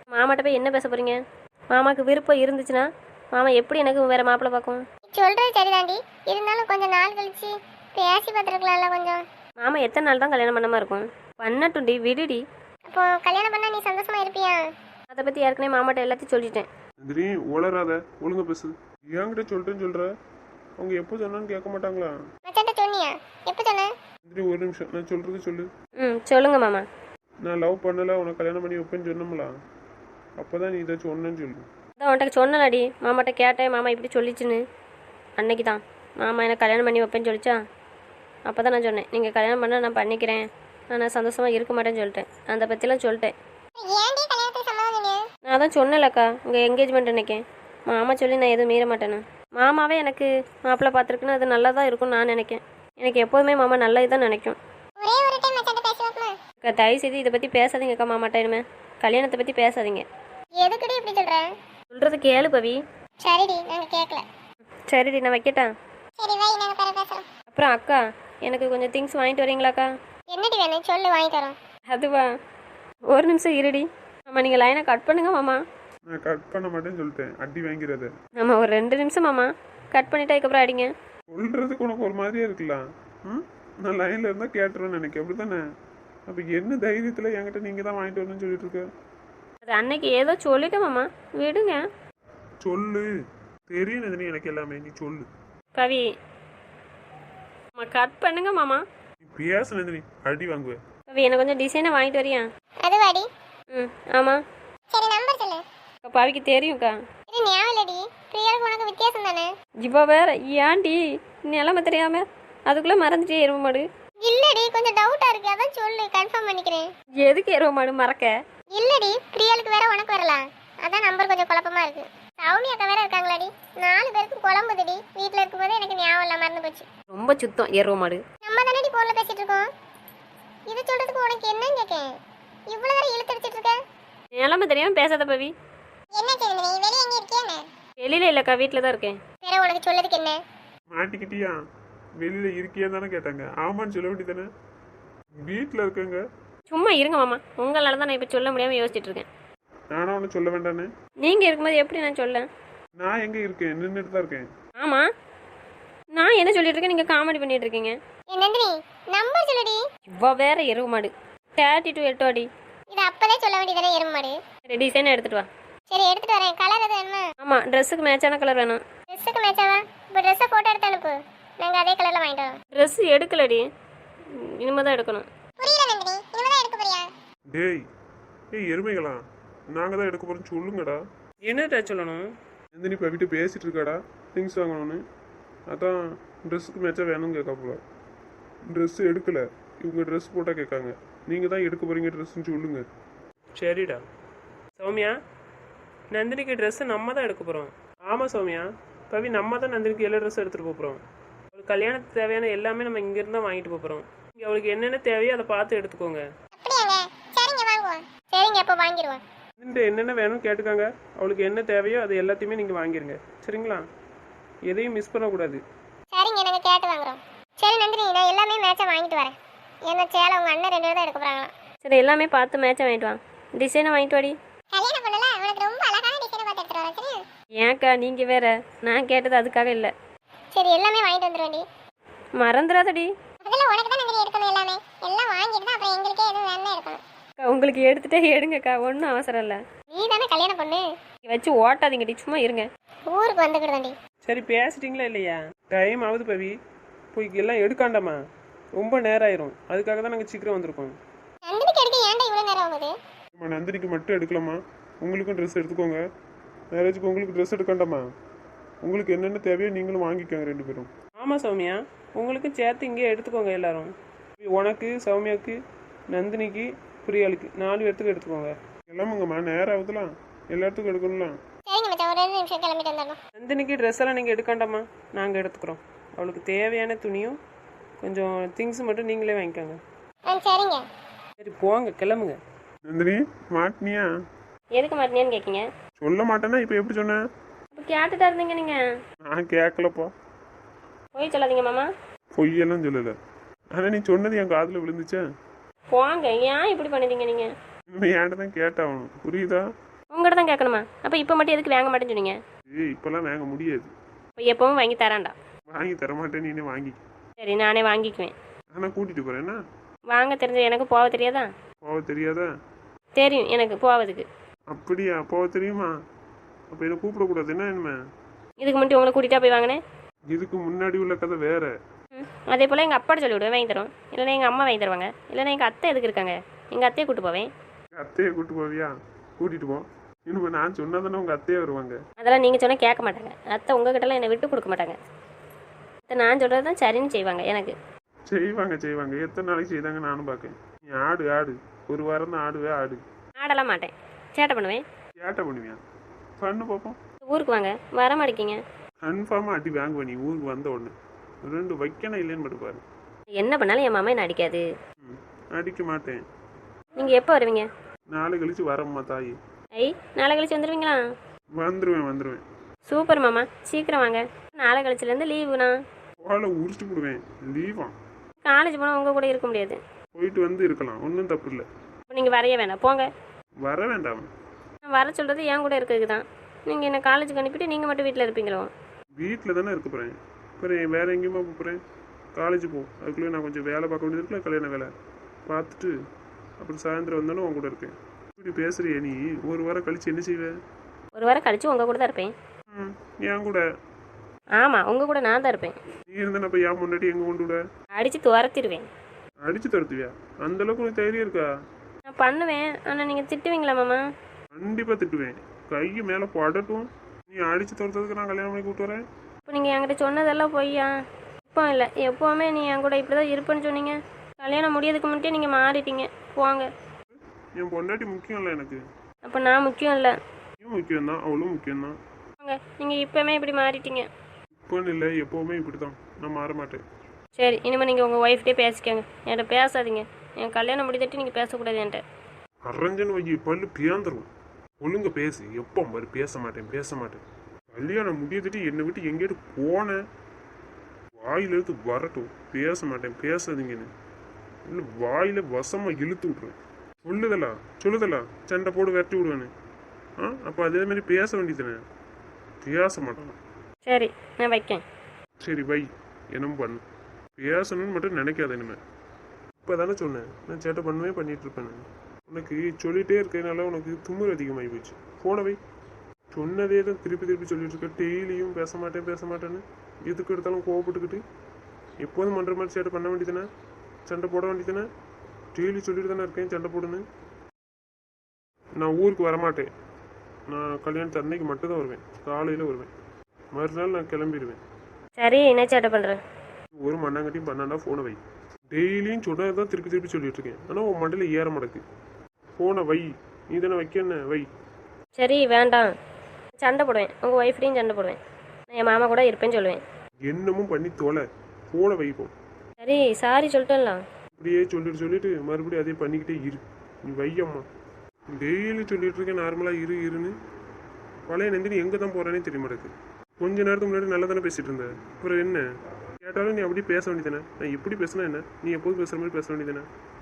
S1: மாமாட்ட போய் என்ன பேச போகிறீங்க? மாமாவுக்கு விருப்பம் இருந்துச்சுன்னா மாமா எப்படி எனக்கு வேறு மாப்பிள்ளை பார்க்கும்?
S4: சொல்றது சரிதாண்டி, இருந்தாலும் கொஞ்சம் நாள் கழிச்சு பேசி பார்த்துருக்கலாம்ல கொஞ்சம்.
S1: மாமா எத்தனை நாள் தான் கல்யாணம் பண்ணாமல் இருக்கும்? பண்ணட்டும்டி, விடுடி.
S4: அப்போ கல்யாணம் பண்ணா நீ சந்தோஷமா இருப்பியா?
S1: அதை பற்றி ஏற்கனவே மாமாட்ட எல்லாத்தையும் சொல்லிட்டேன்.
S3: நந்தினி உளராத, ஒழுங்கா பேசு. என்கிட்ட சொல்லிட்டேன்னு சொல்ற, அவங்க எப்போ சொன்னான்னு கேட்க மாட்டாங்களா?
S4: மச்சான்ட்ட சொன்னியா? எப்போ சொன்ன?
S3: நந்தினி ஒரு நிமிஷம், நான் சொல்றது சொல்லு.
S1: ம் சொல்லுங்க மாமா.
S3: நான் லவ் பண்ணல, உனக்கு கல்யாணம் பண்ணி வைப்பேன்னு சொன்னோம்ல, அப்போதான் நீ இதை சொன்னேன்னு சொல்லு.
S1: அதான் உன்கிட்ட சொன்னலாடி, மாமாட்ட கேட்டேன், மாமா இப்படி சொல்லிச்சுன்னு. அன்னைக்கு தான் மாமா எனக்கு கல்யாணம் பண்ணி வைப்பேன்னு சொல்லிச்சா, அப்போ தான் நான் சொன்னேன், நீங்கள் கல்யாணம் பண்ணால் நான் பண்ணிக்கிறேன், நான் சந்தோஷமாக இருக்க மாட்டேன்னு சொல்லிட்டேன். அதை பற்றிலாம் சொல்லிட்டேன்.
S4: ஏன்டி கல்யாணத்துக்கு சம்மதம் சொன்னியா?
S1: நான் தான் சொன்னலக்கா, உங்கள் என்கேஜ்மெண்ட் அன்னைக்கேன் மாமா சொல்லி நான் எதுவும் மீற மாட்டேன்னு. மாமாவே எனக்கு மாப்பிள்ளை பார்த்துருக்குன்னு அது நல்லா தான் இருக்கும்னு நான் நினைக்கேன். எனக்கு எப்போதுமே மாமா நல்லது தான் நினைக்கும்.
S4: ஒரே ஒரு டைம் மச்சான்ட்ட பேசுவோமா?
S1: அக்கா தயவு செய்து இதை பற்றி பேசாதீங்கக்கா மாமாட்ட, இனிமே கல்யாணத்தை பற்றி பேசாதீங்க.
S4: எதுக்குடி இப்படி சொல்ற?
S1: சொல்கிறது கேளு பவி.
S4: சரிடி, நாங்க கேட்கல.
S1: சரிடி, நான் வைக்கட்டா?
S4: சரி வை, நாங்க பிறகு பேசுறோம்.
S1: அப்புறம் அக்கா எனக்கு கொஞ்சம் திங்ஸ் வாங்கிட்டு வரீங்களாக்கா?
S4: என்னடி வேணும் சொல்லு, வாங்கி தரோம்.
S1: அதுவா, ஒரு நிமிஷம் இருடி. ஆமாம், நீங்கள் லைனை கட் பண்ணுங்க மாமா.
S3: நான் கட் பண்ண மாட்டேன்னு சொல்லிட்டேன், அடி வாங்கிறத.
S1: ஆமாம், ஒரு ரெண்டு நிமிஷம் மாமா, கட் பண்ணிட்டு அதுக்கப்புறம் அடிங்க.
S3: சொல்றதுக்கு உனக்கு ஒரு மாதிரியா இருக்கலாம். ம் நான் லைன்ல இருந்தா கேட்டுருவேன்னு நினைக்க, அப்படித்தானே? அப்ப என்ன தைரியத்துல என்கிட்ட நீங்க தான் வாங்கிட்டு வரணும்னு சொல்லிட்டு இருக்க?
S1: அது அன்னைக்கு ஏதோ சொல்லிட்டேன் மாமா, விடுங்க.
S3: சொல்லு, தெரியும் நந்தினி எனக்கு எல்லாமே, நீ சொல்லு.
S1: கவி அம்மா, கட் பண்ணுங்க மாமா.
S3: நீ பேச நந்தினி, அடி வாங்குவேன்.
S1: கவி எனக்கு கொஞ்சம் டிசைனை வாங்கிட்டு வரியா?
S4: அது வாடி.
S1: ம் ஆமாம்.
S4: சரி நம்பர் சொல்லு.
S1: அக்கா பவிக்கு தெரியும்க்கா.
S4: இது ஞாபகம் இல்லடி, பிரியாவுக்கு உனக்கு வித்தியாசம் தானே?
S1: இப்போ வேற ஏன்டி நிலமை தெரியாம அதுக்குள்ளே மறந்துட்டே எருவ மாடு.
S4: இல்லடி, கொஞ்சம் டவுட்டா இருக்கு, அதான் சொல்லு, கன்ஃபார்ம் பண்ணிக்கிறேன்.
S1: எதுக்கு எருவ மாடு மறக்க?
S4: இல்லடி, பிரியாளுக்கு வேற உனக்கு வரலாம், அதான் நம்பர் கொஞ்சம் குழப்பமா இருக்கு. சவுனி அக்கா வேற இருக்காங்களாடி, நாலு பேருக்கு குழம்புதுடி. வீட்டில் இருக்கும்போது எனக்கு ஞாபகம் இல்லை, மறந்து போச்சு.
S1: ரொம்ப சுத்தம் எருவ மாடு.
S4: நம்ம தானடி போன்ல பேசிட்டு இருக்கோம். இது சொல்றதுக்கு உனக்கு என்னன்னு கேட்கேன், இவ்வளவு நேரம் இழுத்தடிச்சிட்டு இருக்க.
S1: நிலமை தெரியாம பேசாத பவி.
S4: என்ன செய்யுது, நீ வெளியே எங்க இருக்கியா?
S1: வெளியில இல்லைக்கா, வீட்டில் தான் இருக்கேன்.
S4: வேற உனக்கு சொல்லதுக்கு என்ன?
S3: மாட்டிக்கிட்டியா? வெளியில இருக்கியா தானே கேட்டாங்க, ஆமான்னு சொல்ல வேண்டியதானே? வீட்டில் இருக்கங்க.
S1: சும்மா இருங்க மாமா, உங்களால தான் நான் இப்போ சொல்ல முடியாமல் யோசிச்சுட்டு இருக்கேன்.
S3: நானும் ஒன்று சொல்ல வேண்டானே?
S1: நீங்கள் இருக்கும்போது எப்படி நான் சொல்ல?
S3: நான் எங்க இருக்கேன், நின்றுட்டு தான் இருக்கேன்.
S1: ஆமாம், நான் என்ன சொல்லிட்டு இருக்கேன், நீங்கள் காமெடி பண்ணிட்டு இருக்கீங்க.
S4: ஏ நந்தினி, நம்பர் சொல்லுடி.
S1: இவ்வளோ வேற எருவு மாடு. தேர்ட்டி டூ எட்டு அடி.
S4: இது அப்பதே சொல்ல வேண்டியதானே, எருமாடு.
S1: சரி, டிசைனை எடுத்துட்டு வா.
S4: சரி எடுத்துட்டு வரேன். கலர் எது வேணுமா?
S1: ஆமாம், ட்ரெஸ்ஸுக்கு மேட்சான கலர் வேணும்.
S4: ட்ரெஸ்ஸுக்கு மேட்சாவா? இப்போ ட்ரெஸ்ஸை ஃபோட்டோ எடுத்து அனுப்பு, நாங்கள் அதே கலரில் வாங்கிட்டு வரோம்.
S1: ட்ரெஸ் எடுக்கலடி, இனிமேல் தான் எடுக்கணும்.
S4: புரியல நந்தினி, இனிமே தான் எடுக்க போறியா?
S3: டேய், ஏய் எருமைகளா, நாங்கள் தான் எடுக்க போகிறோன்னு சொல்லுங்கடா.
S2: என்னடா சொல்லணும்?
S3: நந்தினி இப்போ வீட்டு பேசிட்டு இருக்காடா, திங்ஸ் வாங்கணும்னு. அதான் ட்ரெஸ்ஸுக்கு மேட்சாக வேணும்னு கேட்காப்புல. ட்ரெஸ் எடுக்கல, இவங்க ட்ரெஸ் போட்டால் கேட்காங்க. நீங்கள் தான் எடுக்க போகிறீங்க ட்ரெஸ்ஸுன்னு சொல்லுங்க.
S2: சரிடா. சௌமியா, நந்தினிக்கு ட்ரெஸ்ஸு நம்ம தான் எடுக்க போகிறோம். ஆமாம் சௌமியா, பவி நம்ம தான் நந்தினிக்கு எல்லா ட்ரெஸ்ஸும் எடுத்துகிட்டு போகிறோம். அவளுக்கு கல்யாணத்துக்கு தேவையான எல்லாமே நம்ம இங்கேருந்து தான் வாங்கிட்டு போகிறோம். இங்கே அவளுக்கு என்னென்ன தேவையோ அதை பார்த்து எடுத்துக்கோங்க.
S4: அப்படியாங்க? சரிங்க வாங்குவோம். சரிங்க, அப்போ வாங்கிடுவோம்.
S2: இந்த என்னென்ன வேணும்னு கேட்டுக்காங்க, அவளுக்கு என்ன தேவையோ அது எல்லாத்தையுமே நீங்கள் வாங்கிருங்க, சரிங்களா? எதையும் மிஸ் பண்ணக்கூடாது.
S4: சரிங்க, நாங்கள் கேட்டு வாங்குறோம். சரி நந்தினி, நான் எல்லாமே மேட்சாக வாங்கிட்டு வரேன். என்ன சேலை உங்கள் அண்ணன் ரெண்டு பேரும் தான் எடுக்க போகிறாங்களாம்.
S1: சரி, எல்லாமே பார்த்து மேட்சாக வாங்கிட்டு வா. டிசைனை வாங்கிட்டு வாடி.
S4: கல்யாணம் பண்ணல, உனக்கு ரொம்ப அழகான டிசைனை பார்த்து எடுத்துட்டு வரேன். சரியா?
S1: ஏன்க்கா நீங்கள் வேற, நான் கேட்டது அதுக்காக இல்லை.
S4: சரி, எல்லாமே வாங்கிட்டு வந்துடுவேண்டி.
S1: மறந்துடாதடி.
S4: அதில் உனக்கு தான் நந்தினி எடுக்கணும். எல்லாமே எல்லாம் வாங்கிட்டு தான் அப்புறம் எங்களுக்கே எதுவும் வேணும்னா எடுக்கணும்.
S1: அக்கா உங்களுக்கு எடுத்துகிட்டே எடுங்கக்கா, ஒன்றும் அவசரம் இல்லை.
S4: நீ தானே கல்யாணம் பண்ணு.
S1: வச்சு ஓட்டாதீங்கடி, சும்மா இருங்க.
S4: ஊருக்கு வந்துக்கிடுதாண்டி.
S2: சரி, பேசிட்டீங்களா இல்லையா? டைம் ஆகுது பவி, போய் எல்லாம் எடுக்காண்டாமா, ரொம்ப நேரம் ஆயிரும். அதுக்காக தான் நாங்கள் சீக்கிரம் வந்திருக்கோம்.
S4: நந்தினிக்கு எடுக்க ஏன்டா இவ்வளோ நேரம் ஆகுது?
S3: நம்ம நந்தினிக்கு மட்டும் எடுக்கலாமா? உங்களுக்கும் ட்ரெஸ் எடுத்துக்கோங்க. மேரேஜுக்கு உங்களுக்கு ட்ரெஸ் எடுக்கண்டாமா? உங்களுக்கு என்னென்ன தேவையோ நீங்களும் வாங்கிக்கோங்க ரெண்டு பேரும்.
S2: ஆமாம் சௌமியா, உங்களுக்கும் சேர்த்து இங்கே எடுத்துக்கோங்க எல்லாரும். உனக்கு, சௌமியாவுக்கு, நந்தினிக்கு, பிரியாளுக்கு நாலு பேர்த்துக்கு எடுத்துக்கோங்க.
S3: எல்லாமுங்கம்மா, நேரம் ஆகுதுலாம், எல்லாத்துக்கும் எடுக்கணும்லாம்.
S4: சரிங்க மச்சான், ஒரு ரெண்டு நிமிஷம் கிளம்பிட்டு வந்துடணும்.
S2: நந்தினிக்கு ட்ரெஸ் எல்லாம் நீங்கள் எடுக்காண்டாமா, நாங்கள் எடுத்துக்கிறோம். அவளுக்கு தேவையான துணியும் கொஞ்சம் திங்ஸ் மட்டும் நீங்களே வாங்கிக்கோங்க.
S4: ஆ சரிங்க.
S2: சரி போங்க, கிளம்புங்க.
S3: நந்தினி மாட்டினியா?
S1: எதுக்கு மாட்டினேன்னு கேட்கீங்க?
S3: சொல்ல மாட்டேன்னா இப்போ எப்படி சொன்னேன்?
S1: இப்போ கேட்டுட்டா இருந்தீங்க நீங்கள்.
S3: நான் கேட்கலப்பா.
S1: போய் சொல்லாதீங்க மாமா.
S3: பொய்யெல்லாம் சொல்லலை, ஆனால் நீ சொன்னது என் காதில் விழுந்துச்சே.
S1: போங்க, ஏன் இப்படி பண்ணிட்டீங்க நீங்கள்?
S3: இன்னும் ஏன்ட்ட தான் கேட்டாகணும், புரியுதா?
S1: உங்கள்கிட்ட தான் கேட்கணுமா? அப்போ இப்போ மட்டும் எதுக்கு வாங்க மாட்டேன்னு சொன்னீங்க?
S3: ஏய் இப்போல்லாம் வாங்க முடியாது.
S1: இப்போ எப்பவும் வாங்கி தரான்டா.
S3: வாங்கி தரமாட்டேன், நீனே வாங்கி.
S1: சரி நானே வாங்கிக்குவேன்.
S3: ஆனால் கூட்டிகிட்டு போகிறேன் என்ன?
S1: வாங்க தெரிஞ்ச எனக்கு போக தெரியாதா?
S3: போக தெரியாதா?
S1: தெரியும் எனக்கு போவதுக்கு.
S3: அப்படியா? போக தெரியுமா? அப்போ என்ன கூப்பிடக்கூடாது என்ன இனிமே?
S1: இதுக்கு முன்னாடி உங்களை கூட்டிகிட்டா போய் வாங்கினேன்.
S3: இதுக்கு முன்னாடி உள்ள கதை வேற.
S1: ம் அதே போல் எங்கள் அப்பாட்ட சொல்லி விடுவேன் வாங்கி தரோம். இல்லைன்னா எங்கள் அம்மா வாங்கி தருவாங்க. இல்லைன்னா எங்கள் அத்தை எதுக்கு இருக்காங்க, எங்கள் அத்தையை கூட்டு போவேன்.
S3: அத்தையை கூட்டு போவியா? கூட்டிகிட்டு போ. இனிமே நான் சொன்னதானே உங்கள் அத்தையே வருவாங்க.
S1: அதெல்லாம் நீங்கள் சொன்னால் கேட்க மாட்டாங்க. அத்தை உங்ககிட்டலாம் என்னை விட்டு கொடுக்க மாட்டாங்க. அத்தை நான் சொல்கிறது தான் சரின்னு செய்வாங்க எனக்கு.
S3: செய்வாங்க செய்வாங்க எத்தனை நாளைக்கு செய்தாங்க நானும் பார்க்கேன். நீ ஆடு ஆடு ஒரு வாரம் தான் ஆடுவே ஆடு.
S1: ஆடலாம் மாட்டேன், சேட்டை பண்ணுவேன்.
S3: ஏட்ட பண்ணுவியா? பண்ணு பார்ப்போம்.
S1: ஊருக்கு வாங்க, வர மாட்டேங்கிங்க.
S3: கன்ஃபார்மாக அடி வாங்குவேன் நீ ஊருக்கு வந்த உடனே. ரெண்டு வைக்கணும் இல்லைன்னு மட்டும் பாரு.
S1: என்ன பண்ணாலும் என் மாமா என்ன அடிக்காது.
S3: ம் அடிக்க மாட்டேன்.
S1: நீங்கள் எப்போ வருவீங்க?
S3: நாளை கழிச்சு வரம்மா தாயி.
S1: ஐ நாளை கழிச்சு வந்துடுவீங்களா?
S3: வந்துடுவேன் வந்துடுவேன்.
S1: சூப்பர் மாமா, சீக்கிரம் வாங்க. நாளை கழிச்சுலேருந்து லீவுண்ணா.
S3: வாழை உரிச்சு விடுவேன். லீவா?
S1: காலேஜ் போனால் உங்கள் கூட இருக்க முடியாது.
S3: போயிட்டு வந்து இருக்கலாம், ஒன்றும் தப்பு இல்லை.
S1: இப்போ நீங்கள் வரைய வேணாம், போங்க.
S3: வர வேண்டாம்.
S1: நான் வர சொல்கிறது என் கூட இருக்கிறதுக்கு தான். நீங்கள் என்ன காலேஜுக்கு அனுப்பிட்டு நீங்கள் மட்டும் வீட்டில் இருப்பீங்களோ?
S3: வீட்டில் தானே இருக்க போகிறேன். அப்புறம் வேறு எங்கேயுமா போகிறேன்? காலேஜ் போ. அதுக்குள்ளே நான் கொஞ்சம் வேலை பார்க்க வேண்டியது இருக்குல்ல, கல்யாண வேலை பார்த்துட்டு அப்புறம் சாயந்தரம் வந்தாலும் உன் கூட இருக்கேன். இப்படி பேசுறியே நீ? ஒரு வாரம் கழிச்சு என்ன செய்வேன்?
S1: ஒரு வாரம் கழிச்சு உங்கள் கூட தான் இருப்பேன்.
S3: ம் என் கூட?
S1: ஆமாம் உங்கள் கூட நான் தான் இருப்பேன்.
S3: நீ இருந்தா அப்போ ஏன் முன்னாடி எங்கே கொண்டு விட?
S1: அடித்து துரத்திடுவேன்.
S3: அடிச்சு தடுத்துவியா? அந்த அளவுக்கு உனக்கு தைரியம் இருக்கா?
S1: நான் பண்ணுவேன், ஆனால் நீங்கள் திட்டுவீங்களா மாமா?
S3: கண்டிப்பாக திட்டுவேன். கையை மேலே படட்டும். நீ அடிச்சு துரத்துறதுக்கு நான் கல்யாணம் பண்ணி கூப்பிட்டு வரேன்.
S1: இப்போ நீங்கள் என்கிட்ட சொன்னதெல்லாம் பொய்யா? இப்போ இல்லை, எப்போவுமே நீ என் கூட இப்படி தான் இருப்பேன்னு சொன்னீங்க. கல்யாணம் முடியதுக்கு முன்னாடியே நீங்கள் மாறிட்டீங்க. போங்க.
S3: என் பொண்டாட்டி முக்கியம் இல்லை எனக்கு.
S1: அப்போ நான் முக்கியம் இல்லை.
S3: நீ முக்கியம்தான், அவளும் முக்கியம்தான்.
S1: போங்க, நீங்கள் இப்போவுமே இப்படி மாறிட்டீங்க.
S3: இப்போன்னு இல்லை, எப்போவுமே இப்படி தான். நான் மாற மாட்டேன்.
S1: சரி, இனிமேல் நீங்கள் உங்கள் ஒய்ஃப்டே பேசிக்கோங்க, என்கிட்ட பேசாதீங்க. என் கல்யாணம் முடிதட்டி நீங்கள் பேசக்கூடாது என்கிட்ட.
S3: அரஞ்சன் வையி பல்லு பியாந்துரும். ஒழுங்க பேசு. எப்போ மாதிரி பேச மாட்டேன் பேச மாட்டேன். கல்யாணம் முடியதுட்டு என்னை விட்டு எங்கேயாட்டு போனேன் வாயிலிருந்து வரட்டும். பேச மாட்டேன் பேசாதீங்கன்னு இல்லை வாயில வசமாக இழுத்து விட்ருவேன். சொல்லுதலா சொல்லுதலா சண்டை போடு விரட்டி விடுவேன்னு. ஆ அப்போ அதே மாதிரி பேச வேண்டியதுனே. பேச மாட்டேன்.
S1: சரி நான் வைக்கேன்.
S3: சரி வை, என்னமோ பண்ணு. பேசணும்னு மட்டும் நினைக்காத இனிமே. இப்போ தானே சொன்னேன் நான் சேட்டை பண்ணுவே பண்ணிட்டு இருப்பேன். உனக்கு சொல்லிகிட்டே இருக்கனால உனக்கு தும்முறு அதிகமாகி போச்சு. போனவை சொன்னதே தான் திருப்பி திருப்பி சொல்லிட்டு இருக்க. டெய்லியும் பேச மாட்டேன் பேச மாட்டேன்னு எதுக்கு எடுத்தாலும் கோவப்பட்டுக்கிட்டு எப்போதும் பண்ணுற மாதிரி சேட்டை பண்ண வேண்டியதுனே. சண்டை போட வேண்டியதுனே. டெய்லி சொல்லிட்டு தானே இருக்கேன் சண்டை போடுன்னு. நான் ஊருக்கு வரமாட்டேன். நான் கல்யாணத்து அன்னைக்கு மட்டும்தான் வருவேன். காலையில் வருவேன். மறுநாள் நான் கிளம்பிடுவேன்.
S1: சரி என்ன சேட்டை பண்ணுறேன்?
S3: ஒரு மண்ணாங்கட்டியும் பண்ணாண்டா ஃபோனை வை. டெய்லியும் சொன்னதை தான் திருப்பி திருப்பி சொல்லிட்டு இருக்கேன். ஆனால் உன் மண்டையில் ஏற மாட்டேக்கு. ஃபோனை வை. நீ தானே வைக்கன்னு வை.
S1: சரி வேண்டாம், சண்டை போடுவேன். உங்கள் ஒய்ஃப்டையும் சண்டை போடுவேன். நான் என் மாமா கூட இருப்பேன்னு சொல்லுவேன்.
S3: என்னமும் பண்ணி தொலை. ஃபோனை வைப்போம்.
S1: சரி சாரி சொல்லிட்டேன்லாம்.
S3: இப்படியே சொல்லிட்டு சொல்லிட்டு மறுபடியும் அதே பண்ணிக்கிட்டே இரு. நீ வையம்மா. டெய்லி சொல்லிட்டு இருக்கேன் நார்மலாக இரு இருன்னு. பழைய நந்தினி எங்கே தான் போகிறானே தெரிய மாட்டேக்கு. கொஞ்ச நேரத்துக்கு முன்னாடி நல்லா தானே பேசிகிட்டு இருந்த. அப்புறம் என்ன கேட்டாலும் நீ அப்படியே பேச வேண்டியதானே. நான் எப்படி பேசினா என்ன? நீ எப்போதும் பேசுகிற மாதிரி பேச வேண்டியதானே.